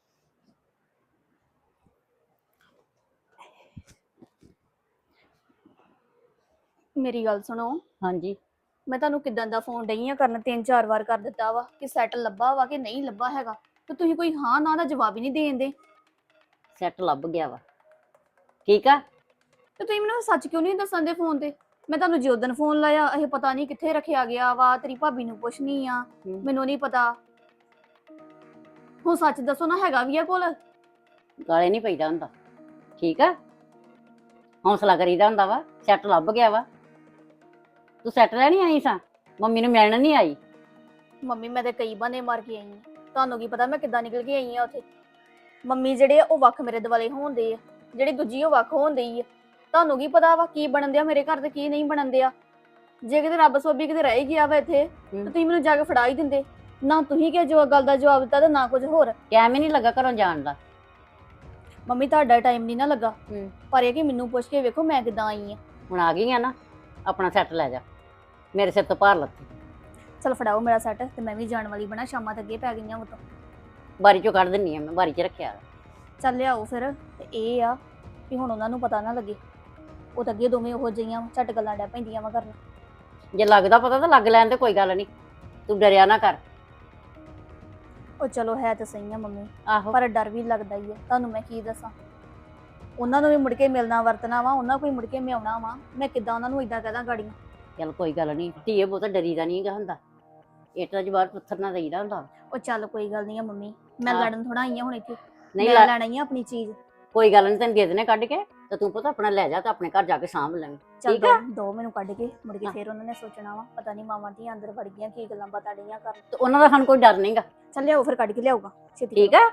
[SPEAKER 4] ਮੇਰੀ ਗੱਲ ਸੁਣੋ,
[SPEAKER 5] ਹਾਂਜੀ
[SPEAKER 4] ਮੈਂ ਤੁਹਾਨੂੰ ਕਿਦਾਂ ਦਾ ਫੋਨ ਡਈ ਆ ਕਰਨ, ਤਿੰਨ ਚਾਰ ਵਾਰ ਕਰ ਦਿੱਤਾ ਵਾ ਕਿ ਸੈੱਟ ਲੱਭਾ ਵਾ ਕਿ ਨਹੀਂ ਲੱਭਾ ਹੈਗਾ, ਤੇ ਤੁਸੀਂ ਕੋਈ ਹਾਂ ਨਾ ਦਾ ਜਵਾਬ ਹੀ ਨਹੀਂ ਦੇਂਦੇ।
[SPEAKER 5] ਸੈੱਟ ਲੱਭ ਗਿਆ ਵਾ, ਠੀਕ ਆ।
[SPEAKER 4] ਤੇ ਤੁਸੀਂ ਮੈਨੂੰ ਸੱਚ ਕਿਉਂ ਨਹੀਂ ਦੱਸਣ ਦੇ ਫੋਨ ਤੇ? ਮੈਂ ਤੁਹਾਨੂੰ ਜਿਉਂ ਦਿਨ ਫੋਨ ਲਾਇਆ ਇਹ ਪਤਾ ਨਹੀਂ ਕਿੱਥੇ ਰੱਖਿਆ ਗਿਆ ਵਾ, ਤੇਰੀ ਭਾਬੀ ਨੂੰ ਪੁੱਛਣੀ ਆ,
[SPEAKER 5] ਹੂੰ।
[SPEAKER 4] ਮੈਨੂੰ ਨਹੀਂ ਪਤਾ। ਹੁਣ ਸੱਚ ਦੱਸੋ ਨਾ, ਹੈਗਾ ਵੀ ਆ ਕੋਲ?
[SPEAKER 5] ਗਾਲੇ ਨਹੀਂ ਪਈਦਾ ਹੁੰਦਾ, ਠੀਕ ਆ। ਹੌਸਲਾ ਕਰੀਦਾ ਹੁੰਦਾ ਵਾ। ਸੈੱਟ ਲੱਭ ਗਿਆ ਵਾ। ਤੂੰ ਸੈੱਟ ਲੈਣੀ ਆਈ ਸਾਂ, ਮੰਮੀ ਨੂੰ ਮਿਲਣ ਨਹੀਂ ਆਈ।
[SPEAKER 4] ਮੰਮੀ ਮੈਂ ਤੇ ਕਈ ਬਹਾਨੇ ਮਾਰ ਕੇ ਆਈ ਆ, ਤੁਹਾਨੂੰ ਕੀ ਪਤਾ ਮੈਂ ਕਿੱਦਾਂ ਨਿਕਲ ਕੇ ਆਈ ਆ ਉੱਥੇ। ਮੰਮੀ ਜਿਹੜੇ ਆ ਉਹ ਵੱਖ ਮੇਰੇ ਦੁਆਲੇ ਹੋਣਦੇ ਆ, ਜਿਹੜੀ ਦੂਜੀ ਉਹ ਵੱਖ ਹੋਣਦੀ ਆ। ਤੁਹਾਨੂੰ ਕੀ ਪਤਾ ਵਾ ਕੀ ਬਣਨ ਦਿਆ ਮੇਰੇ ਘਰ ਤੇ ਕੀ ਨਹੀਂ ਬਣਨ ਦਿਆ। ਜੇ ਕਿਤੇ ਰੱਬ ਸੋਭੀ ਕਿਤੇ ਰਹਿ ਗਿਆ ਵਾ ਇੱਥੇ ਤੇ ਤੁਸੀਂ ਮੈਨੂੰ ਜਾ ਕੇ ਫੜਾ ਹੀ ਦਿੰਦੇ। ਨਾ ਤੁਸੀਂ ਕਿ ਜੋ ਗੱਲ ਦਾ ਜਵਾਬ ਦਿੱਤਾ ਤੇ ਨਾ ਕੁਝ ਹੋਰ।
[SPEAKER 5] ਟਾਈਮ ਹੀ ਨਹੀਂ ਲੱਗਾ ਘਰੋਂ ਜਾਣ ਦਾ।
[SPEAKER 4] ਮੰਮੀ ਤੁਹਾਡਾ ਟਾਈਮ ਨਹੀਂ ਨਾ ਲੱਗਾ,
[SPEAKER 5] ਹੂੰ।
[SPEAKER 4] ਪਰ ਇਹ ਕਿ ਮੈਨੂੰ ਪੁੱਛ ਕੇ ਵੇਖੋ ਮੈਂ ਕਿੱਦਾਂ ਆਈ ਆ।
[SPEAKER 5] ਹੁਣ ਆ ਗਈ ਆ ਨਾ, ਆਪਣਾ ਸੈੱਟ ਲੈ ਜਾ, ਮੇਰੇ ਸਿਰ ਤੋਂ ਭਾਰ ਲੱਥੀ।
[SPEAKER 4] ਚਲ ਫੜਾਓ ਮੇਰਾ ਸੈੱਟ ਤੇ ਮੈਂ ਵੀ ਜਾਣ ਵਾਲੀ ਬਣਾ, ਸ਼ਾਮਾਂ ਤੱਕ ਅੱਗੇ ਪੈ ਗਈਆਂ ਉਹ ਤੋਂ।
[SPEAKER 5] ਬਾਰੀ ਚੋਂ ਕੱਢ ਦਿੰਨੀ ਆ ਮੈਂ, ਬਾਰੀ 'ਚ ਰੱਖਿਆ।
[SPEAKER 4] ਚੱਲ ਲਿਆਓ ਫਿਰ। ਤੇ ਇਹ ਆ ਵੀ ਹੁਣ ਉਹਨਾਂ ਨੂੰ ਪਤਾ ਨਾ ਲੱਗੇ, ਉਹ ਤਾਂ ਅੱਗੇ ਦੋਵੇਂ ਉਹੋ ਜਿਹੀਆਂ ਝੱਟ ਗੱਲਾਂ ਡੈ ਪੈਂਦੀਆਂ ਵਾ ਕਰਨ।
[SPEAKER 5] ਜੇ ਲੱਗਦਾ ਪਤਾ ਤਾਂ ਲੱਗ ਲੈਣ ਤੇ ਕੋਈ ਗੱਲ ਨਹੀਂ, ਤੂੰ ਡਰਿਆ ਨਾ ਕਰ।
[SPEAKER 4] ਉਹ ਚਲੋ ਹੈ ਤਾਂ ਸਹੀ ਆ ਮੰਮੀ,
[SPEAKER 5] ਆਹੋ
[SPEAKER 4] ਪਰ ਡਰ ਵੀ ਲੱਗਦਾ ਹੀ ਹੈ। ਤੁਹਾਨੂੰ ਮੈਂ ਕੀ ਦੱਸਾਂ, ਉਹਨਾਂ ਨੂੰ ਵੀ ਮੁੜ ਕੇ ਮਿਲਣਾ ਵਰਤਣਾ ਵਾ, ਉਹਨਾਂ ਕੋਈ ਮੁੜ ਕੇ ਮੈਂ ਆਉਣਾ ਵਾ, ਮੈਂ ਕਿੱਦਾਂ ਉਹਨਾਂ ਨੂੰ ਇਦਾਂ ਕਹਦਾ ਗਾੜੀਆਂ।
[SPEAKER 5] ਚੱਲ ਕੋਈ ਗੱਲ ਨਹੀਂ ਧੀਏ, ਬਹੁਤਾ ਡਰੀਦਾ ਨਹੀਂ ਗਾ ਹੁੰਦਾ। ਇੱਟ ਦਾ ਜਵਾਬ ਪੱਥਰ ਨਾ ਦੇਈਦਾ ਹੁੰਦਾ।
[SPEAKER 4] ਉਹ ਚੱਲ ਕੋਈ ਗੱਲ ਨਹੀਂ ਆ ਮੰਮੀ, ਮੈਂ
[SPEAKER 5] ਹਾਂ।
[SPEAKER 4] ਲੜਨ ਥੋੜਾ ਆਈ ਆ ਹੁਣ ਇੱਥੇ।
[SPEAKER 5] ਨਹੀਂ
[SPEAKER 4] ਮੈਂ
[SPEAKER 5] ਲਾ-
[SPEAKER 4] ਲੈਣਾ ਹੀ ਆ ਆਪਣੀ ਚੀਜ਼।
[SPEAKER 5] ਕੋਈ ਗੱਲ ਨਹੀਂ, ਤੈਨੂੰ ਦੇ ਦੇਣੇ ਕੱਢ ਕੇ, ਤੇ ਤੂੰ ਪਤਾ ਆਪਣਾ ਲੈ ਜਾ ਤੇ ਆਪਣੇ ਘਰ ਜਾ ਕੇ ਸਾਂਭ ਲੈਵੇਂ।
[SPEAKER 4] ਚੱਲ
[SPEAKER 5] ਠੀਕ ਆ।
[SPEAKER 4] ਦੋ- ਦੋ ਮੈਨੂੰ ਕੱਢ ਕੇ ਮੁੜ ਕੇ
[SPEAKER 5] ਹਾਂ।
[SPEAKER 4] ਫੇਰ ਉਹਨਾਂ ਨੇ ਸੋਚਣਾ ਵਾ ਪਤਾ ਨਹੀਂ ਮਾਵਾਂ ਧੀਆਂ ਅੰਦਰ ਵੜ ਗਈਆਂ ਕੀ ਗੱਲਾਂ ਬਾਤਾਂ ਡਈਆਂ ਕਰਨ।
[SPEAKER 5] ਤੇ ਉਹਨਾਂ ਦਾ ਸਾਨੂੰ ਕੋਈ ਡਰ ਨਹੀਂਗਾ,
[SPEAKER 4] ਚੱਲ ਲਿਆਓ ਫਿਰ, ਕੱਢ ਕੇ ਲਿਆਊਗਾ ਛੇਤੀ
[SPEAKER 5] ਠੀਕ
[SPEAKER 4] ਕਰੋ।
[SPEAKER 5] ਆ।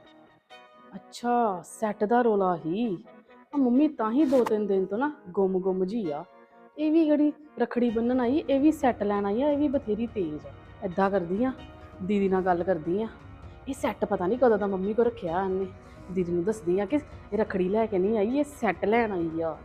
[SPEAKER 6] ਅੱਛਾ ਸੈੱਟ ਦਾ ਰੋਲਾ ਹੀ ਆ। ਮੰਮੀ ਤਾਂ ਹੀ ਦੋ ਤਿੰਨ ਦਿਨ ਤੋਂ ਨਾ ਗੁੰਮ ਗੁੰਮ ਜੀ ਆ। ਇਹ ਵੀ ਜਿਹੜੀ ਰੱਖੜੀ ਬੰਨਣ ਆਈ, ਇਹ ਵੀ ਸੈੱਟ ਲੈਣ ਆਈ ਆ, ਇਹ ਵੀ ਬਥੇਰੀ ਤੇਜ਼ ਆ। ਏਦਾਂ ਕਰਦੀ ਆ, ਦੀਦੀ ਨਾਲ ਗੱਲ ਕਰਦੀ ਆ। ਇਹ ਸੈੱਟ ਪਤਾ ਨਹੀਂ ਕਦੋਂ ਦਾ ਮੰਮੀ ਕੋ ਰੱਖਿਆ ਇਹਨੇ। ਦੀਦੀ ਨੂੰ ਦੱਸਦੀ ਆ ਕਿ ਇਹ ਰੱਖੜੀ ਲੈ ਕੇ ਨਹੀਂ ਆਈ, ਇਹ ਸੈੱਟ ਲੈਣ ਆਈ ਆ।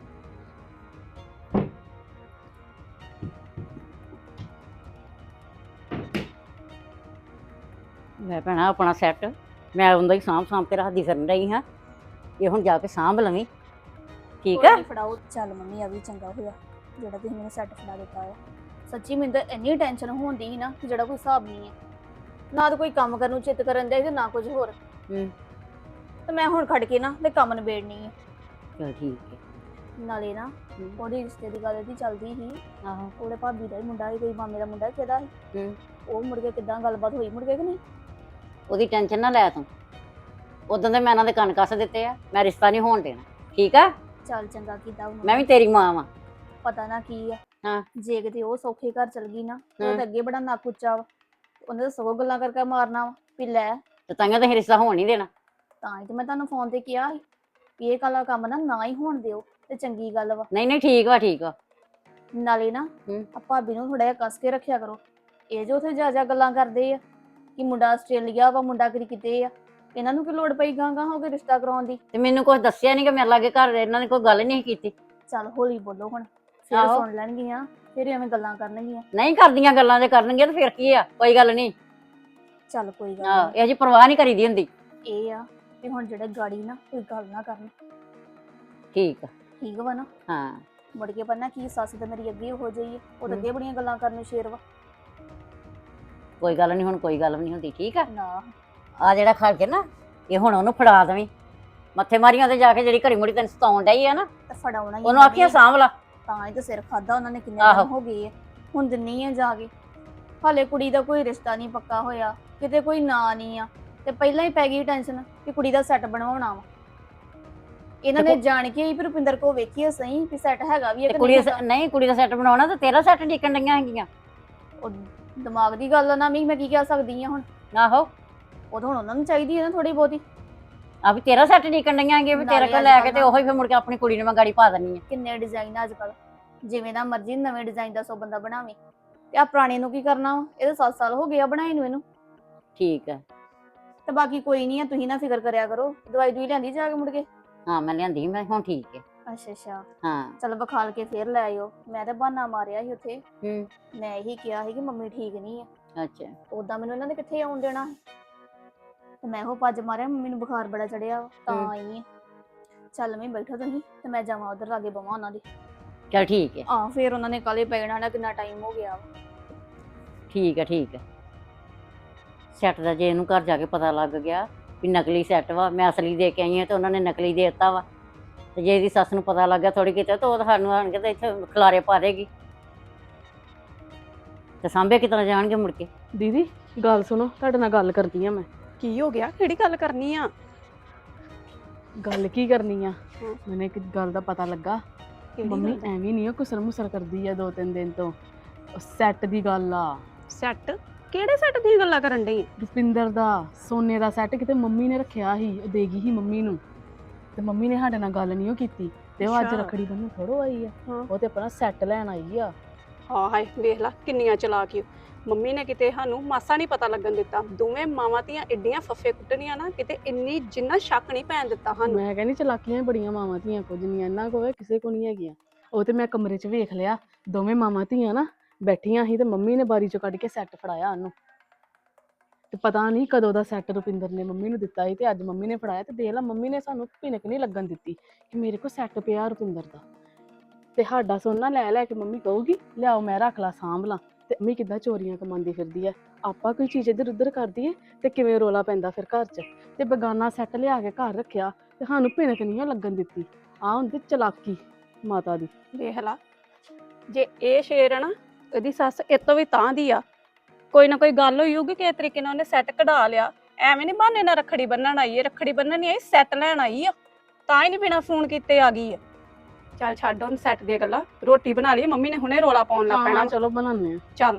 [SPEAKER 5] ਲੈ ਭੈਣਾ ਆਪਣਾ ਸੈੱਟ ਮੈਂ ਉਹਦਾ ਹੀ ਸਾਂਭ ਸਾਂਭ ਕੇ ਰੱਖਦੀ ਫਿਰਨ ਰਹੀ ਹਾਂ। ਇਹ ਹੁਣ ਜਾ ਕੇ ਸਾਂਭ ਲਵੀਂ, ਠੀਕ
[SPEAKER 4] ਕੋਈ
[SPEAKER 5] ਆ।
[SPEAKER 4] ਨੀ ਫੜਾਓ। ਚੱਲ ਮੰਮੀ ਆ ਵੀ ਚੰਗਾ ਹੋਇਆ ਜਿਹੜਾ ਤੁਸੀਂ ਮੈਨੂੰ ਸੈੱਟ ਫੜਾ ਦਿੱਤਾ ਆ। ਸੱਚੀ ਮੈਨੂੰ ਤਾਂ ਇੰਨੀ ਟੈਨਸ਼ਨ ਹੁੰਦੀ ਸੀ ਨਾ ਕਿ ਜਿਹੜਾ ਕੋਈ ਹਿਸਾਬ ਨਹੀਂ ਹੈ। ਨਾ ਤਾਂ ਕੋਈ ਕੰਮ ਕਰਨ ਨੂੰ ਚਿੱਤ ਕਰਨ ਦੇ ਤੇ ਨਾ ਕੁਝ ਹੋਰ।
[SPEAKER 5] ਹੂੰ
[SPEAKER 4] ਤੇ ਮੈਂ ਹੁਣ ਖੜ ਕੇ ਨਾ ਤੇ ਕੰਮ ਨਿਬੇੜਨੀ ਹੈ।
[SPEAKER 5] ਚਲ ਠੀਕ ਹੈ।
[SPEAKER 4] ਨਾਲੇ ਨਾ
[SPEAKER 5] ਹੂੰ।
[SPEAKER 4] ਉਹਦੀ ਰਿਸ਼ਤੇ ਦੀ ਗੱਲ ਦੀ ਚੱਲਦੀ ਸੀ।
[SPEAKER 5] ਆਹੋ।
[SPEAKER 4] ਉਹਦੇ ਭਾਬੀ ਦਾ ਹੀ ਮੁੰਡਾ ਸੀ, ਕੋਈ ਮਾਮੇ ਦਾ ਮੁੰਡਾ ਕਿਹਦਾ ਸੀ।
[SPEAKER 5] ਹੂੰ
[SPEAKER 4] ਉਹ ਮੁੜ ਕੇ ਕਿੱਦਾਂ ਗੱਲਬਾਤ ਹੋਈ ਮੁੜ ਕੇ ਕਿ ਨਹੀਂ?
[SPEAKER 5] ਉਹਦੀ ਟੈਨਸ਼ਨ ਨਾ ਲੈ ਤੂੰ। ਉਦੋਂ ਦੇ ਮੈਂ ਇਹਨਾਂ ਦੇ ਕੰਨ ਕੱਸ ਦਿੱਤੇ ਆ, ਮੈਂ ਰਿਸ਼ਤਾ ਨਹੀਂ ਹੋਣ ਦੇਣਾ, ਠੀਕ ਆ।
[SPEAKER 4] ਚੱਲ ਚੰਗਾ ਕੀਤਾ ਉਹਨਾਂ
[SPEAKER 5] ਮੈਂ
[SPEAKER 4] ਨੇ।
[SPEAKER 5] ਵੀ ਤੇਰੀ ਮਾਂ ਵਾਂ।
[SPEAKER 4] ਪਤਾ ਨਾ ਕੀ ਆ।
[SPEAKER 5] ਹਾਂ।
[SPEAKER 4] ਜੇ ਕਿਤੇ ਉਹ ਸੌਖੇ ਘਰ ਚਲ ਗਈ ਨਾ ਤੇ ਉਹ
[SPEAKER 5] ਹਾਂ।
[SPEAKER 4] ਤਾਂ ਅੱਗੇ ਬੜਾ ਨੱਕ ਉੱਚਾ ਵਾ। ਉਹਨੇ ਤਾਂ ਸਗੋਂ ਗੱਲਾਂ ਕਰਕੇ ਮਾਰਨਾ ਵਾ ਵੀ ਲੈ।
[SPEAKER 5] ਤੇ ਤਾਂਹੀਓ ਤਾਂ ਅਸੀਂ ਰਿਸ਼ਤਾ ਹੋਣ ਨਹੀਂ ਦੇਣਾ।
[SPEAKER 4] ਤਾਂ ਹੀ ਤੇ ਮੈਂ ਤੁਹਾਨੂੰ ਫੋਨ ਤੇ ਕਿਹਾ ਸੀ ਵੀ ਇਹ ਕਾਲਾ ਕੰਮ ਨਾ ਨਾ ਹੀ ਹੋਣ ਦਿਓ ਤੇ ਚੰਗੀ ਗੱਲ ਵਾ।
[SPEAKER 5] ਨਹੀਂ ਨਹੀਂ ਠੀਕ ਵਾ ਠੀਕ ਵਾ।
[SPEAKER 4] ਨਾਲੇ ਨਾ
[SPEAKER 5] ਹੂੰ।
[SPEAKER 4] ਆ ਭਾਬੀ ਨੂੰ ਥੋੜਾ ਜਿਹਾ ਕੱਸ ਕੇ ਰੱਖਿਆ ਕਰੋ। ਇਹ ਜੋ ਉੱਥੇ ਜਾ ਜਾ ਗੱਲਾਂ ਕਰਦੇ ਆ ਕਿ ਮੁੰਡਾ ਆਸਟ੍ਰੇਲੀਆ ਵਾ, ਮੁੰਡਾ ਕਿਤੇ ਕਿਤੇ ਆ। ਇਹਨਾਂ ਨੂੰ ਕੀ ਲੋੜ ਪਈ ਗਾਂ ਗਾਂ ਹੋ ਕੇ ਰਿਸ਼ਤਾ ਕਰਾਉਣ ਦੀ?
[SPEAKER 5] ਤੇ ਮੈਨੂੰ ਕੁਝ ਦੱਸਿਆ ਨਹੀਂ ਕਿ ਮੇਰੇ ਲਾਗੇ ਘਰ ਇਹਨਾਂ ਨੇ ਕੋਈ ਗੱਲ ਨਹੀਂ ਕੀਤੀ।
[SPEAKER 4] ਚੱਲ ਹੌਲੀ ਬੋਲੋ ਹੁਣ, ਫਿਰ
[SPEAKER 5] ਆਹੋ।
[SPEAKER 4] ਸੁਣ ਲੈਣਗੀਆਂ, ਫਿਰ ਐਵੇਂ ਗੱਲਾਂ ਕਰਨਗੀਆਂ।
[SPEAKER 5] ਨਹੀਂ ਕਰਦੀਆਂ ਗੱਲਾਂ ਜੇ ਕਰਨਗੀਆਂ ਤੇ ਫਿਰ ਕੀ ਆ, ਕੋਈ ਗੱਲ ਨਹੀਂ।
[SPEAKER 4] ਚੱਲ ਕੋਈ ਗੱਲ
[SPEAKER 5] ਆਹ
[SPEAKER 4] ਨਹੀਂ।
[SPEAKER 5] ਇਹ ਜੀ ਪਰਵਾਹ ਨਹੀਂ ਕਰੀਦੀ ਹੁੰਦੀ।
[SPEAKER 4] ਇਹ ਆ ਵੀ ਹੁਣ ਜਿਹੜੇ ਗਾੜੀ ਨਾ ਕੋਈ ਗੱਲ ਨਾ ਕਰਨ,
[SPEAKER 5] ਠੀਕ ਆ।
[SPEAKER 4] ਠੀਕ ਵਾ ਨਾ?
[SPEAKER 5] ਹਾਂ
[SPEAKER 4] ਮੁੜ ਕੇ ਪਤਾ ਕੀ ਸੱਸ ਤੇ ਮੇਰੀ ਅੱਗੇ ਹੋ ਜਾਈਏ, ਉਹ ਤਾਂ
[SPEAKER 5] ਹੂੰ।
[SPEAKER 4] ਅੱਗੇ ਬੜੀਆਂ ਗੱਲਾਂ ਕਰਨ ਨੂੰ ਸ਼ੇਰ ਵਾ।
[SPEAKER 5] ਕੋਈ ਗੱਲ ਨਹੀਂ, ਹੁਣ ਕੋਈ ਗੱਲ ਵੀ ਨਹੀਂ ਹੁੰਦੀ, ਠੀਕ ਆ।
[SPEAKER 4] ਨਾ
[SPEAKER 5] ਆ ਜਿਹੜਾ ਖੜ ਕੇ ਨਾ ਇਹ ਹੁਣ ਉਹਨੂੰ ਫੜਾ ਦੇਵੀਂ ਮੱਥੇ ਮਾਰੀਆਂ ਤੇ ਜਾ ਕੇ, ਜਿਹੜੀ ਘੜੀ ਮੁੜੀ ਤੈਨੂੰ ਸਤਾਉਣ ਡਈ ਆ ਨਾ,
[SPEAKER 4] ਤੇ ਫੜਾਉਣਾ ਹੀ
[SPEAKER 5] ਉਹਨੂੰ ਆਖੀਆਂ ਸਾਂਭ ਲਾ।
[SPEAKER 4] ਤਾਂ ਹੀ ਤੇ ਸਿਰ ਖਾਦਾ ਉਹਨਾਂ ਨੇ, ਕਿੰਨੇ
[SPEAKER 5] ਆਹੋ।
[SPEAKER 4] ਦਿਨ ਹੋ ਗਏ ਆ। ਹੁਣ ਦਿੰਨੀ ਆ ਜਾ ਕੇ। ਹਾਲੇ ਕੁੜੀ ਦਾ ਕੋਈ ਰਿਸ਼ਤਾ ਨਹੀਂ ਪੱਕਾ ਹੋਇਆ, ਕਿਤੇ ਕੋਈ ਨਾਂ ਨਹੀਂ ਆ, ਤੇ ਪਹਿਲਾਂ ਹੀ ਪੈ ਗਈ ਟੈਨਸ਼ਨ ਕਿ ਕੁੜੀ ਦਾ ਸੈੱਟ ਬਣਵਾਉਣਾ ਵਾ। ਇਹਨਾਂ ਨੇ ਜਾਣ ਕੇ ਹੀ ਫਿਰ ਰੁਪਿੰਦਰ ਕੋ ਵੇਖੀਏ ਸਹੀ ਵੀ ਸੈੱਟ ਹੈਗਾ ਵੀ ਹੈ
[SPEAKER 5] ਤੇ
[SPEAKER 4] ਕਿ
[SPEAKER 5] ਕੁੜੀ
[SPEAKER 4] ਨਹੀਂ
[SPEAKER 5] ਦਾ
[SPEAKER 4] ਹੈਗਾ।
[SPEAKER 5] ਸ- ਨਹੀਂ ਕੁੜੀ ਦਾ ਸੈੱਟ ਬਣਾਉਣਾ ਤੇ ਤੇਰਾ ਸੈੱਟ ਡਿੱਕਣ ਡਈਆਂ ਹੈਗੀਆਂ।
[SPEAKER 4] ਉਹ ਦਿਮਾਗ ਦੀ ਗੱਲ ਆ ਨਾ, ਵੀ ਮੈਂ ਕੀ ਕਹਿ ਸਕਦੀ ਆ ਹੁਣ।
[SPEAKER 5] ਆਹੋ।
[SPEAKER 4] ਉਹ ਤਾਂ ਹੁਣ ਉਹਨਾਂ ਨੂੰ ਚਾਹੀਦੀ ਹੈ ਨਾ ਥੋੜੀ ਬਹੁਤੀ।
[SPEAKER 5] ਆ ਵੀ ਤੇਰਾ ਸੈੱਟ ਡਿੱਕਣ ਡਈਆਂ ਹੈਗੀਆਂ ਵੀ ਤੇਰੇ
[SPEAKER 4] ਨਾਲੇ
[SPEAKER 5] ਕੋਲ ਲੈ ਕੇ
[SPEAKER 4] ਅੱਜ
[SPEAKER 5] ਤੇ ਉਹੀ ਫਿਰ ਮੁੜ ਕੇ ਆਪਣੀ ਕੁੜੀ ਨੂੰ ਮੈਂ ਗਾੜੀ ਪਾ ਦਿੰਨੀ ਆ।
[SPEAKER 4] ਕਿੰਨੇ ਡਿਜ਼ਾਈਨ ਅੱਜ ਕੱਲ, ਜਿਵੇਂ ਦਾ ਮਰਜ਼ੀ ਨਵੇਂ ਡਿਜ਼ਾਈਨ ਦਾ ਸੋ ਬੰਦਾ ਬਣਾਵੇ। ਤੇ ਆ ਪੁਰਾਣੇ ਨੂੰ ਕੀ ਕਰਨਾ ਵਾ? ਇਹਦੇ ਸੱਤ ਸਾਲ ਹੋ ਗਏ ਆ ਬਣਾਏ ਨੂੰ ਇਹਨੂੰ।
[SPEAKER 5] ਠੀਕ ਆ।
[SPEAKER 4] ਤੇ ਬਾਕੀ ਕੋਈ ਨਹੀਂ ਆ, ਤੁਸੀਂ ਨਾ ਫਿਕਰ ਕਰਿਆ ਕਰੋ। ਦਵਾਈ ਦੂਈ ਲਿਆਂਦੀ ਜਾ ਕੇ ਮੁੜ ਕੇ?
[SPEAKER 5] ਹਾਂ ਮੈਂ ਲਿਆਂਦੀ, ਮੈਂ ਹੁਣ ਠੀਕ ਹੈ।
[SPEAKER 4] ਅੱਛਾ ਅੱਛਾ।
[SPEAKER 5] ਹਾਂ।
[SPEAKER 4] ਚਲ ਵਿਖਾਲ ਕੇ ਫੇਰ ਲੈ ਆਇਓ। ਮੈਂ ਤਾਂ ਬਹਾਨਾ ਮਾਰਿਆ ਸੀ ਉੱਥੇ,
[SPEAKER 5] ਹੂੰ।
[SPEAKER 4] ਮੈਂ ਇਹੀ ਕਿਹਾ ਸੀ ਕਿ ਮੰਮੀ ਠੀਕ ਨਹੀਂ ਆ।
[SPEAKER 5] ਅੱਛਾ।
[SPEAKER 4] ਉਦਾਂ ਮੈਨੂੰ ਇਹਨਾਂ ਨੇ ਕਿੱਥੇ ਆਉਣ ਦੇਣਾ ਸੀ। ਤੇ ਮੈਂ ਉਹ ਭੱਜ ਮਾਰਿਆ, ਮੰਮੀ ਨੂੰ ਬੁਖਾਰ ਬੜਾ ਚੜਿਆ ਵਾ, ਤਾਂ
[SPEAKER 5] ਹੂੰ।
[SPEAKER 4] ਆਈ ਆ। ਚੱਲ ਮੈਂ ਬੈਠਾ ਤੁਸੀਂ ਤੇ ਮੈਂ ਜਾਵਾਂ ਉਧਰ ਲਾਗੇ ਬਵਾਂ ਉਹਨਾਂ ਦੇ।
[SPEAKER 5] ਚਲ ਠੀਕ ਹੈ।
[SPEAKER 4] ਆ ਫੇਰ ਉਹਨਾਂ ਨੇ ਕਾਲੇ ਪੈ ਜਾਣਾ, ਕਿੰਨਾ ਟਾਈਮ ਹੋ ਗਿਆ ਵਾ।
[SPEAKER 5] ਠੀਕ ਹੈ ਠੀਕ ਹੈ। ਸੈੱਟ ਦਾ ਜੇ ਇਹਨੂੰ ਘਰ ਜਾ ਕੇ ਪਤਾ ਲੱਗ ਗਿਆ ਵੀ ਨਕਲੀ ਸੈੱਟ ਵਾ, ਮੈਂ ਅਸਲੀ ਦੇ ਕੇ ਆਈ ਹਾਂ ਤੇ ਉਹਨਾਂ ਨੇ ਨਕਲੀ ਦੇ ਦਿੱਤਾ ਵਾ, ਤੇ ਜੇ ਇਹਦੀ ਸੱਸ ਨੂੰ ਪਤਾ ਲੱਗ ਗਿਆ ਥੋੜੀ ਕਿਤੇ ਤਾਂ ਉਹ ਤਾਂ ਸਾਨੂੰ ਆਣ ਕੇ ਤੇ ਇੱਥੇ ਖਿਲਾਰੇ ਪਾ ਦੇਗੀ ਤੇ ਸਾਂਭੇ ਕਿਤਨਾ ਜਾਣਗੇ ਮੁੜ ਕੇ।
[SPEAKER 6] ਦੀਦੀ ਗੱਲ ਸੁਣੋ, ਤੁਹਾਡੇ ਨਾਲ ਗੱਲ ਕਰਦੀ ਆ ਮੈਂ।
[SPEAKER 3] ਕੀ ਹੋ ਗਿਆ? ਕਿਹੜੀ ਗੱਲ ਕਰਨੀ ਆ?
[SPEAKER 6] ਗੱਲ ਕੀ ਕਰਨੀ ਆ?
[SPEAKER 3] ਹਾਂ।
[SPEAKER 6] ਮੈਨੂੰ ਇੱਕ ਗੱਲ ਦਾ ਪਤਾ ਲੱਗਾ।
[SPEAKER 3] ਕਿਹੜੀ
[SPEAKER 6] ਮੰਮੀ
[SPEAKER 3] ਗੱਲ?
[SPEAKER 6] ਐਵੇਂ ਨਹੀਂ ਆ ਕੁਸਰ ਮੁਸਰ ਕਰਦੀ ਆ ਦੋ ਤਿੰਨ ਦਿਨ ਤੋਂ। ਸੈੱਟ ਦੀ ਗੱਲ ਆ।
[SPEAKER 3] ਸੈੱਟ? ਕਿਹੜੇ ਸੈੱਟ ਦੀ ਗੱਲਾਂ ਕਰਨ ਡਈ?
[SPEAKER 6] ਰੁਪਿੰਦਰ ਦਾ ਸੋਨੇ ਦਾ ਸੈੱਟ ਕਿਤੇ ਮੰਮੀ ਨੇ ਰੱਖਿਆ ਸੀ, ਉਹ ਦੇ ਗਈ ਸੀ ਮੰਮੀ ਨੂੰ, ਤੇ ਮੰਮੀ ਨੇ ਸਾਡੇ ਨਾਲ ਗੱਲ ਨਹੀਂ ਉਹ ਕੀਤੀ, ਤੇ ਉਹ ਅੱਜ
[SPEAKER 3] ਅੱਛਾ।
[SPEAKER 6] ਰੱਖੜੀ ਬੰਨ੍ਹਣ ਥੋੜੋ ਆਈ ਆ।
[SPEAKER 3] ਹਾਂ।
[SPEAKER 6] ਉਹ ਤੇ ਆਪਣਾ ਸੈੱਟ ਲੈਣ ਆਈ ਆ।
[SPEAKER 3] ਹਾਂ ਹਾਏ ਵੇਖ ਲਾ ਕਿੰਨੀਆਂ ਚਲਾਕ ਈ ਓ। ਮੰਮੀ ਨੇ ਕਿਤੇ ਸਾਨੂੰ ਮਾਸਾ ਨਹੀਂ ਪਤਾ ਲੱਗਣ ਦਿੱਤਾ। ਦੋਵੇਂ ਮਾਵਾਂ ਧੀਆਂ ਏਡੀਆਂ ਫੱਫੇ ਕੁੱਟਣੀਆਂ ਨਾ, ਕਿਤੇ ਇੰਨੀ ਜਿੰਨਾ ਸ਼ੱਕ ਨਹੀਂ ਪੈਣ ਦਿੱਤਾ ਸਾਨੂੰ।
[SPEAKER 6] ਮੈਂ ਕਹਿੰਦੀ ਚਲਾਕੀਆਂ ਵੀ ਬੜੀਆਂ ਮਾਵਾਂ ਧੀਆਂ ਕੁਝ ਨਹੀਂ, ਇਹਨਾਂ ਕੋਲ ਕਿਸੇ ਕੋ ਨਹੀਂ ਹੈਗੀਆਂ। ਉਹ ਤੇ ਮੈਂ ਕਮਰੇ 'ਚ ਵੇਖ ਲਿਆ, ਦੋਵੇਂ ਮਾਵਾਂ ਧੀਆਂ ਨਾ ਬੈਠੀਆਂ ਸੀ ਤੇ ਮੰਮੀ ਨੇ ਬਾਰੀ 'ਚੋਂ ਕੱਢ ਕੇ ਸੈੱਟ ਫੜਾਇਆ ਉਹਨੂੰ, ਤੇ ਪਤਾ ਨਹੀਂ ਕਦੋਂ ਦਾ ਸੈੱਟ ਰੁਪਿੰਦਰ ਨੇ ਮੰਮੀ ਨੂੰ ਦਿੱਤਾ ਸੀ ਤੇ ਅੱਜ ਮੰਮੀ ਨੇ ਫੜਾਇਆ। ਤੇ ਦੇਖ ਲਾ ਮੰਮੀ ਨੇ ਸਾਨੂੰ ਭਿਣਕ ਨਹੀਂ ਲੱਗਣ ਦਿੱਤੀ ਕਿ ਮੇਰੇ ਕੋਲ ਸੈੱਟ ਪਿਆ ਰੁਪਿੰਦਰ ਦਾ, ਤੇ ਸਾਡਾ ਸੋਨਾ ਲੈ ਲੈ ਕੇ ਮੰਮੀ ਕਹੂਗੀ ਲਿਆਓ ਮੈਂ ਰੱਖ ਲਾ ਸਾਂਭ ਲਾਂ। ਤੇ ਮੰਮੀ ਕਿੱਦਾਂ ਚੋਰੀਆਂ ਕਮਾਉਂਦੀ ਫਿਰਦੀ ਹੈ। ਆਪਾਂ ਕੋਈ ਚੀਜ਼ ਇੱਧਰ ਉੱਧਰ ਕਰਦੀ ਏ ਤੇ ਕਿਵੇਂ ਰੋਲਾ ਪੈਂਦਾ ਫਿਰ ਘਰ 'ਚ। ਤੇ ਬੇਗਾਨਾ ਸੈੱਟ ਲਿਆ ਕੇ ਘਰ ਰੱਖਿਆ ਤੇ ਸਾਨੂੰ ਭਿਣਕ ਨਹੀਂ ਲੱਗਣ ਦਿੱਤੀ। ਆਹ ਹੁੰਦੀ ਚਲਾਕੀ ਮਾਤਾ ਦੀ।
[SPEAKER 3] ਵੇਖ ਲਾ, ਜੇ ਇਹ ਸ਼ੇਰ ਆ ਨਾ, ਇਹਦੀ ਸੱਸ ਇਹ ਤੋਂ ਵੀ ਤਾਂ ਦੀ ਆ। ਕੋਈ ਨਾ ਕੋਈ ਗੱਲ ਹੋਈ ਹੋਊਗੀ, ਕਿਸੇ ਤਰੀਕੇ ਨਾਲ ਉਹਨੇ ਸੈੱਟ ਕਢਾ ਲਿਆ। ਐਵੇਂ ਨਹੀਂ ਬਹਾਨੇ ਨਾਲ ਰੱਖੜੀ ਬੰਨਣ ਆਈ ਹੈ, ਰੱਖੜੀ ਬੰਨਣ ਨਹੀਂ ਆਈ, ਸੈੱਟ ਲੈਣ ਆਈ ਆ। ਤਾਂ ਹੀ ਨਹੀਂ ਬਿਨਾਂ ਫੋਨ ਕੀਤੇ ਆ ਗਈ ਆ। ਚੱਲ ਛੱਡ ਹੁਣ ਸੈੱਟ ਦੀਆਂ ਗੱਲਾਂ, ਰੋਟੀ ਬਣਾ ਲਈ, ਮੰਮੀ ਨੇ ਹੁਣੇ ਰੋਲਾ ਪਾਉਣ ਲੱਗ ਪੈਣਾ।
[SPEAKER 6] ਹਾਂ ਚਲੋ ਬਣਾਉਂਦੇ ਆ।
[SPEAKER 3] ਚੱਲ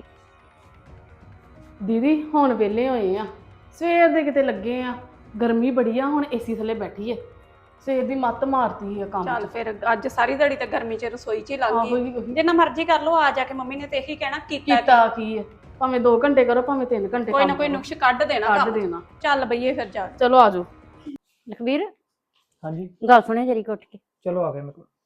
[SPEAKER 6] ਦੀਦੀ ਹੁਣ ਵਿਹਲੇ ਹੋਏ ਆ, ਸਵੇਰ ਦੇ ਕਿਤੇ ਲੱਗੇ ਆ, ਗਰਮੀ ਬੜੀ ਆ, ਹੁਣ ਏਸੀ ਥੱਲੇ ਬੈਠੀਏ। ਸਵੇਰ ਦੀ ਮੱਤ ਮਾਰਤੀ ਆ ਕੰਮ
[SPEAKER 3] ਚੱਲ
[SPEAKER 6] 'ਚ।
[SPEAKER 3] ਫਿਰ ਅੱਜ ਸਾਰੀ ਦਿਹਾੜੀ ਤੇ ਗਰਮੀ 'ਚ ਰਸੋਈ 'ਚ ਹੀ ਲੱਗ
[SPEAKER 6] ਆਹੋ
[SPEAKER 3] ਗਈ।
[SPEAKER 6] ਹੀ ਉਹੀ
[SPEAKER 3] ਜਿੰਨਾ ਮਰਜ਼ੀ ਕਰ ਲੋ, ਆ ਜਾ ਕੇ ਮੰਮੀ ਨੇ ਤੇ ਇਹੀ ਕਹਿਣਾ ਕੀਤਾ
[SPEAKER 6] ਕੀਤਾ ਕੀ ਹੈ, ਭਾਵੇਂ ਦੋ ਘੰਟੇ ਕਰੋ ਭਾਵੇਂ ਤਿੰਨ ਘੰਟੇ
[SPEAKER 3] ਕੋਈ ਨਾ
[SPEAKER 6] ਕੰਮ
[SPEAKER 3] ਕੋਈ
[SPEAKER 6] ਕਰੋ,
[SPEAKER 3] ਨੁਕਸ ਕੱਢ ਦੇਣਾ
[SPEAKER 6] ਕੱਢ
[SPEAKER 3] ਕੰਮ 'ਚ।
[SPEAKER 6] ਦੇਣਾ।
[SPEAKER 3] ਚੱਲ ਬਈਏ ਫਿਰ ਜਾ।
[SPEAKER 6] ਚਲੋ ਆਜੋ।
[SPEAKER 5] ਲਖਬੀਰ
[SPEAKER 1] ਹਾਂਜੀ
[SPEAKER 5] ਗੱਲ ਸੁਣਿਆ ਜਰੀ ਉੱਠ ਕੇ।
[SPEAKER 1] ਚਲੋ ਆ ਗਏ ਮੇਰੇ ਕੋਲ।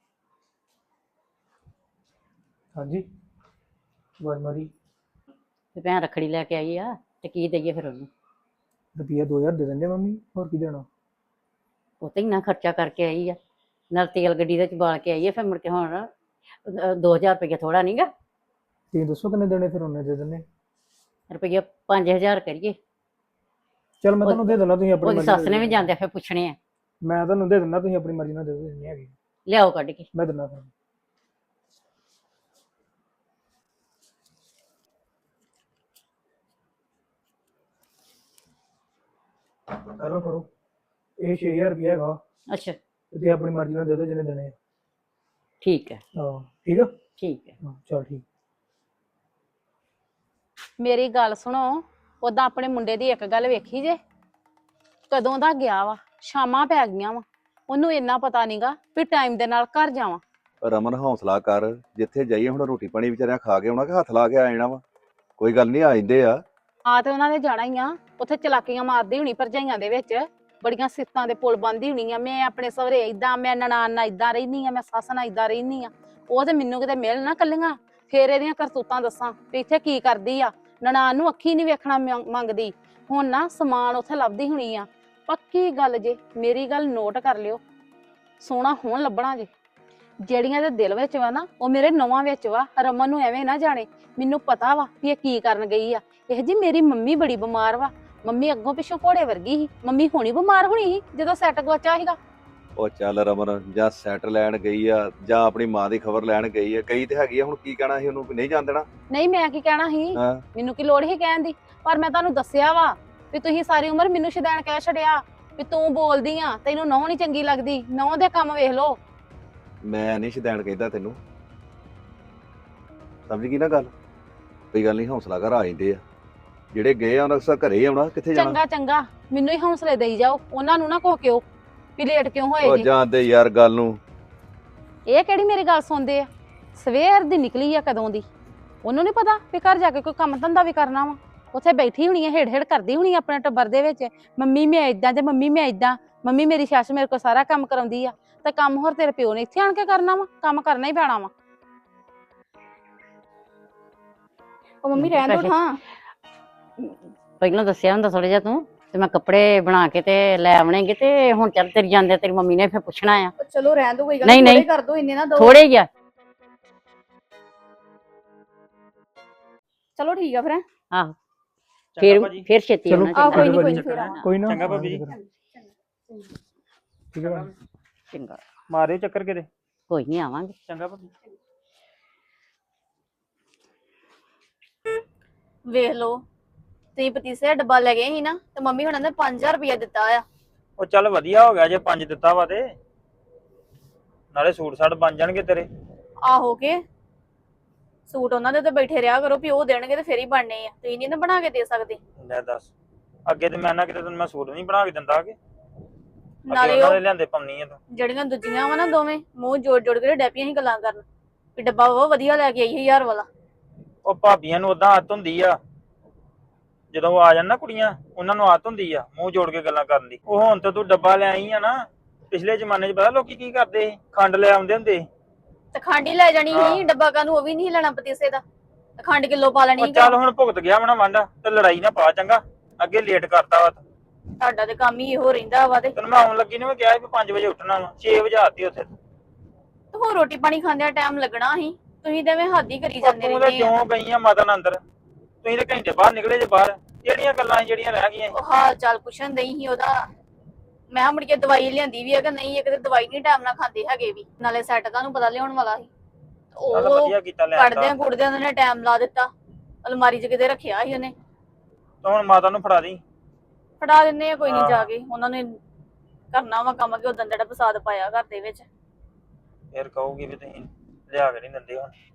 [SPEAKER 1] ਹਾਂਜੀ ਆਵਾਜ਼ ਮਾਰੀ।
[SPEAKER 5] ਤੇ ਭੈਣ ਰੱਖੜੀ ਲੈ ਕੇ ਆਈ ਆ ਤੇ ਕੀ ਦਈਏ ਫਿਰ ਉਹਨੂੰ?
[SPEAKER 1] ਰੁਪਈਆ ਦੋ ਹਜ਼ਾਰ ਦੇ ਦਿੰਦੇ ਮੰਮੀ, ਹੋਰ ਕੀ ਦੇਣਾ?
[SPEAKER 5] ਉਹ ਤੇ ਇੰਨਾ ਖਰਚਾ ਕਰਕੇ ਆਈ ਆ, ਨਾਲ ਤੇਲ ਗੱਡੀ ਦੇ ਚ ਬਾਲ ਕੇ ਆਈ ਆ, ਫਿਰ ਮੁੜ ਕੇ ਹੁਣ ਦੋ ਹਜ਼ਾਰ ਰੁਪਈਆ ਥੋੜਾ ਨਹੀਂਗਾ।
[SPEAKER 1] ਤੁਸੀਂ ਦੱਸੋ ਕਿੰਨੇ ਦੇਣੇ, ਫਿਰ ਉਹਨੇ ਦੇ ਦਿੰਦੇ।
[SPEAKER 5] ਰੁਪਈਆ ਪੰਜ ਹਜ਼ਾਰ ਕਰੀਏ।
[SPEAKER 1] ਚਲ ਮੈਂ ਤੁਹਾਨੂੰ ਦੇ ਦਿੰਦਾ, ਤੁਸੀਂ ਆਪਣੀ
[SPEAKER 5] ਉਹਦੀ
[SPEAKER 1] ਮਰਜ਼ੀ
[SPEAKER 5] ਸੱਸ
[SPEAKER 1] ਨਾਲ
[SPEAKER 5] ਨੇ
[SPEAKER 1] ਦੇ
[SPEAKER 5] ਵੀ
[SPEAKER 1] ਦਿਓ।
[SPEAKER 5] ਜਾਂਦੇ ਫਿਰ ਪੁੱਛਣੇ ਆ।
[SPEAKER 1] ਮੈਂ ਤੁਹਾਨੂੰ ਦੇ ਦਿੰਦਾ, ਤੁਸੀਂ ਆਪਣੀ ਮਰਜ਼ੀ ਨਾਲ ਦੇ ਦਿਓ, ਜਿੰਨੀ ਹੈਗੀ
[SPEAKER 5] ਲਿਆਓ ਕੱਢ ਕੇ।
[SPEAKER 1] ਮੈਂ ਦਿੰਦਾ ਫਿਰ। ਕਰੋ ਕਰੋ, ਇਹ ਛੇ ਹਜ਼ਾਰ ਰੁਪਇਆ ਹੈਗਾ,
[SPEAKER 5] ਅੱਛਾ
[SPEAKER 1] ਤੇ ਤੁਸੀਂ ਆਪਣੀ ਮਰਜ਼ੀ ਨਾਲ ਦੇ ਦਿਓ ਜਿੰਨੇ ਦੇਣੇ ਆ।
[SPEAKER 5] ਠੀਕ ਹੈ
[SPEAKER 1] ਹਾਂ ਠੀਕ ਆ,
[SPEAKER 5] ਠੀਕ ਹੈ।
[SPEAKER 1] ਹਾਂ ਚਲ ਠੀਕ।
[SPEAKER 7] ਮੇਰੀ ਗੱਲ ਸੁਣੋ, ਉਦਾਂ ਆਪਣੇ ਮੁੰਡੇ ਦੀ ਇੱਕ ਗੱਲ ਵੇਖੀ ਜੇ, ਕਦੋਂ ਦਾ ਗਿਆ ਵਾ, ਸ਼ਾਮਾਂ ਪੈ ਗਈਆਂ ਵਾ, ਉਹਨੂੰ ਇੰਨਾ ਪਤਾ ਨਹੀਂਗਾ ਵੀ ਟਾਈਮ ਦੇ ਨਾਲ ਘਰ ਜਾਵਾਂ।
[SPEAKER 8] ਰਮਨ ਹੌਸਲਾ ਕਰ, ਜਿੱਥੇ ਜਾਈਏ ਹੁਣ ਰੋਟੀ ਪਾਣੀ ਵਿਚਾਰਿਆਂ ਖਾ ਕੇ ਆਉਣਾ ਕਿ ਹੱਥ ਲਾ ਕੇ ਆ ਜਾਣਾ ਵਾ। ਕੋਈ ਗੱਲ ਨਹੀਂ, ਆ ਜਾਂਦੇ ਆ।
[SPEAKER 7] ਆ ਤੇ ਉਹਨਾਂ ਨੇ ਜਾਣਾ ਹੀ ਆ, ਉੱਥੇ ਚਲਾਕੀਆਂ ਮਾਰਦੀ ਹੋਣੀ ਭਰਜਾਈਆਂ ਦੇ ਵਿੱਚ, ਬੜੀਆਂ ਸਿਫਤਾਂ ਦੇ ਪੁਲ ਬੰਦੀ ਹੋਣੀ ਆ, ਮੈਂ ਆਪਣੇ ਸਹੁਰੇ ਏਦਾਂ, ਮੈਂ ਨਨਾਣ ਨਾਲ ਏਦਾਂ ਰਹਿਨੀ ਆ, ਮੈਂ ਸੱਸ ਨਾਲ ਏਦਾਂ ਰਹਿਨੀ ਆ। ਉਹ ਤੇ ਮੈਨੂੰ ਕਿਤੇ ਮਿਲ ਨਾ ਕੱਲੀਆਂ, ਫੇਰ ਇਹਦੀਆਂ ਕਰਤੂਤਾਂ ਦੱਸਾਂ ਵੀ ਇੱਥੇ ਕੀ ਕਰਦੀ ਆ। ਨਨਾਣ ਨੂੰ ਅੱਖੀ ਨਹੀਂ ਵੇਖਣਾ ਮੰਗ- ਮੰਗਦੀ ਹੁਣ ਨਾ ਸਮਾਨ ਉੱਥੇ ਲੱਭਦੀ ਹੋਣੀ ਆ। ਪੱਕੀ ਗੱਲ ਜੇ, ਮੇਰੀ ਗੱਲ ਨੋਟ ਕਰ ਲਿਓ, ਸੋਹਣਾ ਹੋਣ ਲੱਭਣਾ ਜੇ। ਜਿਹੜੀਆਂ ਦੇ ਦਿਲ ਵਿੱਚ ਵਾ ਨਾ, ਉਹ ਮੇਰੇ ਨੌਵਾਂ ਵਿੱਚ ਵਾ। ਰਮਨ ਨੂੰ ਐਵੇਂ ਨਾ ਜਾਣੇ, ਮੈਨੂੰ ਪਤਾ ਵਾ ਵੀ ਇਹ ਕੀ ਕਰਨ ਗਈ ਆ। ਇਹ ਜੀ ਮੇਰੀ ਮੰਮੀ ਬੜੀ ਬਿਮਾਰ ਵਾ, ਮੰਮੀ ਅੱਗੋਂ ਪਿੱਛੋਂ ਘੋੜੇ ਵਰਗੀ ਸੀ, ਮੰਮੀ ਹੋਣੀ ਬਿਮਾਰ ਹੋਣੀ ਸੀ ਜਦੋਂ ਸੈੱਟ ਗਵਾਚਾ ਸੀਗਾ।
[SPEAKER 8] ਉਹ ਚੱਲ ਰਮਨ, ਜਾਂ ਸੈਟ ਲੈਣ ਗਈ ਆ ਜਾਂ ਆਪਣੀ ਮਾਂ ਦੀ ਖਬਰ ਲੈਣ ਗਈ ਆ, ਕਈ ਤੇ ਹੈਗੀ ਆ। ਹੁਣ ਕੀ ਕਹਿਣਾ ਸੀ ਉਹਨੂੰ ਵੀ ਨਹੀਂ ਜਾਣ ਦੇਣਾ?
[SPEAKER 7] ਨਹੀਂ ਮੈਂ ਕੀ ਕਹਿਣਾ ਸੀ,
[SPEAKER 8] ਹਾਂ,
[SPEAKER 7] ਮੈਨੂੰ ਕੀ ਲੋੜ ਸੀ ਕਹਿਣ ਦੀ, ਪਰ ਮੈਂ ਤੁਹਾਨੂੰ ਦੱਸਿਆ ਵਾ ਵੀ ਤੁਸੀਂ ਸਾਰੀ ਉਮਰ ਮੈਨੂੰ ਸ਼ੈਤਾਨ ਕਹਿ ਛੱਡਿਆ ਵੀ ਤੂੰ ਬੋਲਦੀ ਆ, ਤੈਨੂੰ ਨਹੁੰ ਨਹੀਂ ਚੰਗੀ ਲੱਗਦੀ, ਨਹੁੰ ਦੇ ਕੰਮ ਵੇਖ ਲੋ।
[SPEAKER 8] ਮੈਂ ਨਹੀਂ ਸ਼ੈਤਾਨ ਕਹਿੰਦਾ ਤੈਨੂੰ, ਸਮਝ ਗਈ ਨਾ ਗੱਲ? ਕੋਈ ਗੱਲ ਨਹੀਂ, ਹੌਸਲਾ ਕਰ, ਆ ਜਾਂਦੇ ਆ। ਜਿਹੜੇ ਗਏ ਆ ਉਹਨਾਂ ਅਕਸਰ ਘਰੇ ਹੀ ਆਉਣਾ, ਕਿੱਥੇ ਜਾਣਾ?
[SPEAKER 7] ਚੰਗਾ ਚੰਗਾ, ਮੈਨੂੰ ਹੀ ਹੌਸਲੇ ਦੇਈ ਜਾਓ, ਉਹਨਾਂ ਨੂੰ ਨਾ ਕੋ ਕਿਉ ਵੀ ਲੇਟ ਕਿਉਂ ਹੋਏ
[SPEAKER 8] ਉਹ
[SPEAKER 7] ਜੀ।
[SPEAKER 8] ਜਾਂਦੇ ਯਾਰ ਗੱਲ ਨੂੰ।
[SPEAKER 7] ਇਹ ਕਿਹੜੀ ਮੇਰੀ ਗੱਲ ਸੁਣਦੇ ਆ, ਸਵੇਰ ਦੀ ਨਿਕਲੀ ਆ ਕਦੋਂ ਦੀ, ਉਹਨੂੰ ਨਹੀਂ ਪਤਾ ਵੀ ਘਰ ਜਾ ਕੇ ਕੋਈ ਕੰਮ ਧੰਦਾ ਵੀ ਕਰਨਾ ਵਾ। ਉੱਥੇ ਬੈਠੀ ਹੋਣੀ ਆ, ਹੇੜ ਹੇੜ ਕਰਦੀ ਹੋਣੀ ਆ ਆਪਣੇ ਟੱਬਰ ਦੇ ਵਿੱਚ, ਮੰਮੀ ਮੈਂ ਏਦਾਂ ਤੇ ਮੰਮੀ ਮੈਂ ਏਦਾਂ, ਮੰਮੀ ਮੇਰੀ ਸੱਸ ਮੇਰੇ ਕੋਲ ਸਾਰਾ ਕੰਮ ਕਰਾਉਂਦੀ ਆ। ਤੇ ਕੰਮ ਹੋਰ ਤੇਰੇ ਪਿਓ ਨੇ ਇੱਥੇ ਆਣ ਕੇ ਕਰਨਾ ਵਾ, ਕੰਮ ਕਰਨਾ ਹੀ ਪੈਣਾ ਵਾ।
[SPEAKER 4] ਉਹ ਮੰਮੀ ਰਹਿਣ ਦੋ ਹਾਂ।
[SPEAKER 5] ਪਹਿਲਾਂ ਦੱਸਿਆ ਹੁੰਦਾ ਥੋੜਾ ਜਿਹਾ ਤੂੰ, ਤੇ ਮੈਂ ਕੱਪੜੇ ਬਣਾ ਕੇ ਤੇ ਲੈ ਆਵਣੇਗੇ। ਤੇ ਹੁਣ ਚੱਲ ਤੇਰੀ ਜਾਂਦੇ ਤੇਰੀ ਮੰਮੀ ਨੇ ਫਿਰ ਪੁੱਛਣਾ ਆ।
[SPEAKER 4] ਚਲੋ ਰਹਿਣ ਦੋ, ਕੋਈ ਗੱਲ
[SPEAKER 5] ਨਹੀਂ,
[SPEAKER 4] ਨਹੀਂ,
[SPEAKER 5] ਨਹੀਂ।
[SPEAKER 4] ਕਰ ਦੋ, ਇੰਨੇ ਨਾ ਦੋ।
[SPEAKER 5] ਥੋੜੇ ਹੀ ਆ।
[SPEAKER 4] ਚਲੋ ਠੀਕ ਆ ਫਿਰ।
[SPEAKER 5] ਆਹੋ,
[SPEAKER 2] ਚੰਗਾ
[SPEAKER 5] ਫਿਰ
[SPEAKER 2] ਭਾਜੀ,
[SPEAKER 5] ਫਿਰ ਛੇਤੀ
[SPEAKER 1] ਚਲੋ।
[SPEAKER 5] ਆਉਣਾ
[SPEAKER 4] ਆਹ
[SPEAKER 5] ਚੰਗਾ।
[SPEAKER 4] ਕੋਈ ਨਹੀਂ, ਕੋਈ
[SPEAKER 1] ਭਾਜੀ,
[SPEAKER 4] ਨਹੀਂ ਫਿਰ ਆਵਾਂਗੇ।
[SPEAKER 1] ਕੋਈ ਨਾ,
[SPEAKER 2] ਚੰਗਾ ਭਾਬੀ ਜੀ।
[SPEAKER 1] ਠੀਕ ਹੈ ਭਾਜੀ।
[SPEAKER 5] ਚੰਗਾ,
[SPEAKER 2] ਮਾਰਿਓ ਚੱਕਰ ਕਿਤੇ।
[SPEAKER 5] ਕੋਈ ਨਹੀਂ, ਆਵਾਂਗੇ।
[SPEAKER 2] ਚੰਗਾ ਭਾਬੀ।
[SPEAKER 4] ਵੇਖ ਲਓ, ਤੁਸੀਂ ਪਤੀਸੇ ਦਾ ਡੱਬਾ ਲੈ ਗਏ ਸੀ ਨਾ, ਤੇ ਮੰਮੀ ਹੁਣਾਂ ਨੇ ਪੰਜ ਹਜ਼ਾਰ ਰੁਪਇਆ ਦਿੱਤਾ ਆ।
[SPEAKER 2] ਉਹ ਚੱਲ ਵਧੀਆ ਹੋ ਗਿਆ ਜੇ ਪੰਜ ਦਿੱਤਾ ਵਾ, ਤੇ ਨਾਲੇ ਸੂਟ ਸਾਟ ਬਣ ਜਾਣਗੇ ਤੇਰੇ।
[SPEAKER 4] ਆਹੋ ਕੇ ਸੂਟ ਉਹਨਾਂ ਦੇ ਤੇ ਬੈਠੇ ਰਿਹਾ ਕਰੋ ਵੀ ਉਹ ਦੇਣਗੇ ਤੇ ਫੇਰ ਹੀ ਬਣਨੇ ਆ, ਤੁਸੀਂ ਨਹੀਂ ਨਾ ਬਣਾ ਕੇ ਦੇ ਸਕਦੇ।
[SPEAKER 2] ਲੈ ਦੱਸ, ਅੱਗੇ ਤੇ ਮੈਂ ਨਾ ਕਿਤੇ ਤੈਨੂੰ ਮੈਂ ਸੂਟ ਨਹੀਂ ਬਣਾ ਕੇ ਦਿੰਦਾ ਕਿ
[SPEAKER 4] ਨਾਲੇ
[SPEAKER 2] ਉਹਨਾਂ
[SPEAKER 4] ਉਹ
[SPEAKER 2] ਦੇ ਲਿਆਂਦੇ ਪਾਉਣੀ ਆ ਤੂੰ।
[SPEAKER 4] ਜਿਹੜੀਆਂ ਦੂਜੀਆਂ ਵਾ ਨਾ ਦੋਵੇਂ, ਮੂੰਹ ਜੋੜ ਜੋੜ ਕੇ ਡੈਪੀਆਂ ਹੀ ਗੱਲਾਂ ਕਰਨ ਵੀ ਡੱਬਾ ਉਹ ਵਧੀਆ ਲੈ ਕੇ ਆਈ ਹਜ਼ਾਰ ਵਾਲਾ।
[SPEAKER 2] ਉਹ ਭਾਬੀਆਂ ਨੂੰ ਉਦਾਂ ਆਦਤ ਹੁੰਦੀ ਆ, ਜਦੋਂ ਉਹ ਆ ਜਾਣ ਨਾ ਕੁੜੀਆਂ, ਉਹਨਾਂ ਨੂੰ ਆਦਤ ਹੁੰਦੀ ਆ ਮੂੰਹ ਜੋੜ ਕੇ ਗੱਲਾਂ ਕਰਨ ਦੀ। ਉਹ ਹੁਣ ਤਾਂ ਤੂੰ ਡੱਬਾ ਲੈ ਆਈ ਆ ਨਾ, ਪਿਛਲੇ ਜ਼ਮਾਨੇ 'ਚ ਪਤਾ ਲੋਕੀ ਕੀ ਕਰਦੇ ਸੀ, ਖੰਡ ਲੈ ਆਉਂਦੇ ਹੁੰਦੇ ਸੀ।
[SPEAKER 4] ਤੇ ਖੰਡ ਹੀ ਲੈ ਜਾਣੀ
[SPEAKER 2] ਹਾਂ।
[SPEAKER 4] ਸੀ, ਡੱਬਾ ਕਾਨੂੰ ਉਹ ਵੀ ਨਹੀਂ ਲੈਣਾ ਪਤੀਸੇ ਦਾ, ਤੇ ਖੰਡ ਕਿਲੋ ਪਾ ਲੈਣੀ
[SPEAKER 2] ਉਹ
[SPEAKER 4] ਸੀ।
[SPEAKER 2] ਚੱਲ ਹੁਣ ਭੁਗਤ ਗਿਆ ਵਾ ਨਾ ਵਾਂਡਾ, ਤੇ ਲੜਾਈ ਨਾ ਪਾ ਚੰਗਾ, ਅੱਗੇ ਲੇਟ ਕਰਤਾ ਵਾ।
[SPEAKER 4] ਤੁਹਾਡਾ ਤੇ ਕੰਮ ਹੀ ਇਹੋ ਰਹਿੰਦਾ ਵਾ। ਤੇ
[SPEAKER 2] ਤੈਨੂੰ ਮੈਂ ਆਉਣ ਲੱਗੀ ਨੇ ਮੈਂ ਕਿਹਾ ਸੀ ਵੀ ਪੰਜ ਵਜੇ ਉੱਠਣਾ ਵਾ, ਛੇ ਵਜੇ ਆਤੀ ਉੱਥੇ।
[SPEAKER 4] ਤੇ ਹੋਰ ਰੋਟੀ ਪਾਣੀ ਖਾਂਦਿਆਂ ਟਾਈਮ ਲੱਗਣਾ ਸੀ, ਤੁਸੀਂ ਤਾਂ ਐਵੇਂ ਹੱਦ ਹੀ ਕਰੀ ਜਾਂਦੇ
[SPEAKER 2] ਤੂੰ ਤਾਂ
[SPEAKER 4] ਰਹਿੰਦੇ ਆ।
[SPEAKER 2] ਕਿਉਂ ਗਈ ਆ ਮਾਤਾ ਨਾਲ ਅੰਦਰ, ਤੁਸੀਂ ਤਾਂ ਘੰਟੇ ਬਾਹਰ ਨਿਕਲੇ ਜੇ ਬਾਹਰ, ਜਿਹੜੀਆਂ ਗੱਲਾਂ ਸੀ ਜਿਹੜੀਆਂ ਰਹਿ ਗਈਆਂ ਸੀ।
[SPEAKER 4] ਉਹ ਹਾਲ ਚਾਲ ਪੁੱਛਣ ਨਹੀਂ ਸੀ ਉਹਦਾ। ਮੈਂ ਮੁੜ ਕੇ ਦਵਾਈ ਲਿਆਂਦੀ ਵੀ ਹੈ ਕਿ ਨਹੀਂ, ਇੱਕ ਤੇ ਦਵਾਈ ਨਹੀਂ ਟਾਈਮ ਨਾਲ ਖਾਂਦੇ ਹੈਗੇ ਵੀ, ਨਾਲੇ ਸੈੱਟ ਤੁਹਾਨੂੰ ਪਤਾ ਲਿਆਉਣ ਵਾਲਾ ਸੀ।
[SPEAKER 2] ਚੱਲ
[SPEAKER 4] ਉਹ
[SPEAKER 2] ਵਧੀਆ ਕੀਤਾ ਲੈ
[SPEAKER 4] ਕੱਢਦਿਆਂ
[SPEAKER 2] ਆਂਦਾ।
[SPEAKER 4] ਕੁੜਦਿਆਂ ਉਹਨਾਂ ਨੇ ਟਾਈਮ ਲਾ ਦਿੱਤਾ, ਅਲਮਾਰੀ 'ਚ ਕਿਤੇ ਰੱਖਿਆ ਸੀ ਉਹਨੇ।
[SPEAKER 2] ਤੂੰ ਹੁਣ ਮਾਤਾ ਨੂੰ ਫੜਾ ਦੀ।
[SPEAKER 4] ਫੜਾ ਦਿੰਦੇ ਆ ਕੋਈ ਨਹੀਂ,
[SPEAKER 2] ਹਾਂ।
[SPEAKER 4] ਜਾ ਕੇ ਉਹਨਾਂ ਨੇ ਕਰਨਾ ਵਾ ਕੰਮ ਕਿ ਉਦੋਂ ਜਿਹੜਾ ਫਸਾਦ ਪਾਇਆ ਘਰ ਦੇ ਵਿੱਚ।
[SPEAKER 2] ਫਿਰ ਕਹੂਗੀ ਵੀ ਤੁਸੀਂ ਲਿਆ ਕੇ ਨਹੀਂ ਦਿੰਦੇ ਹੁਣ।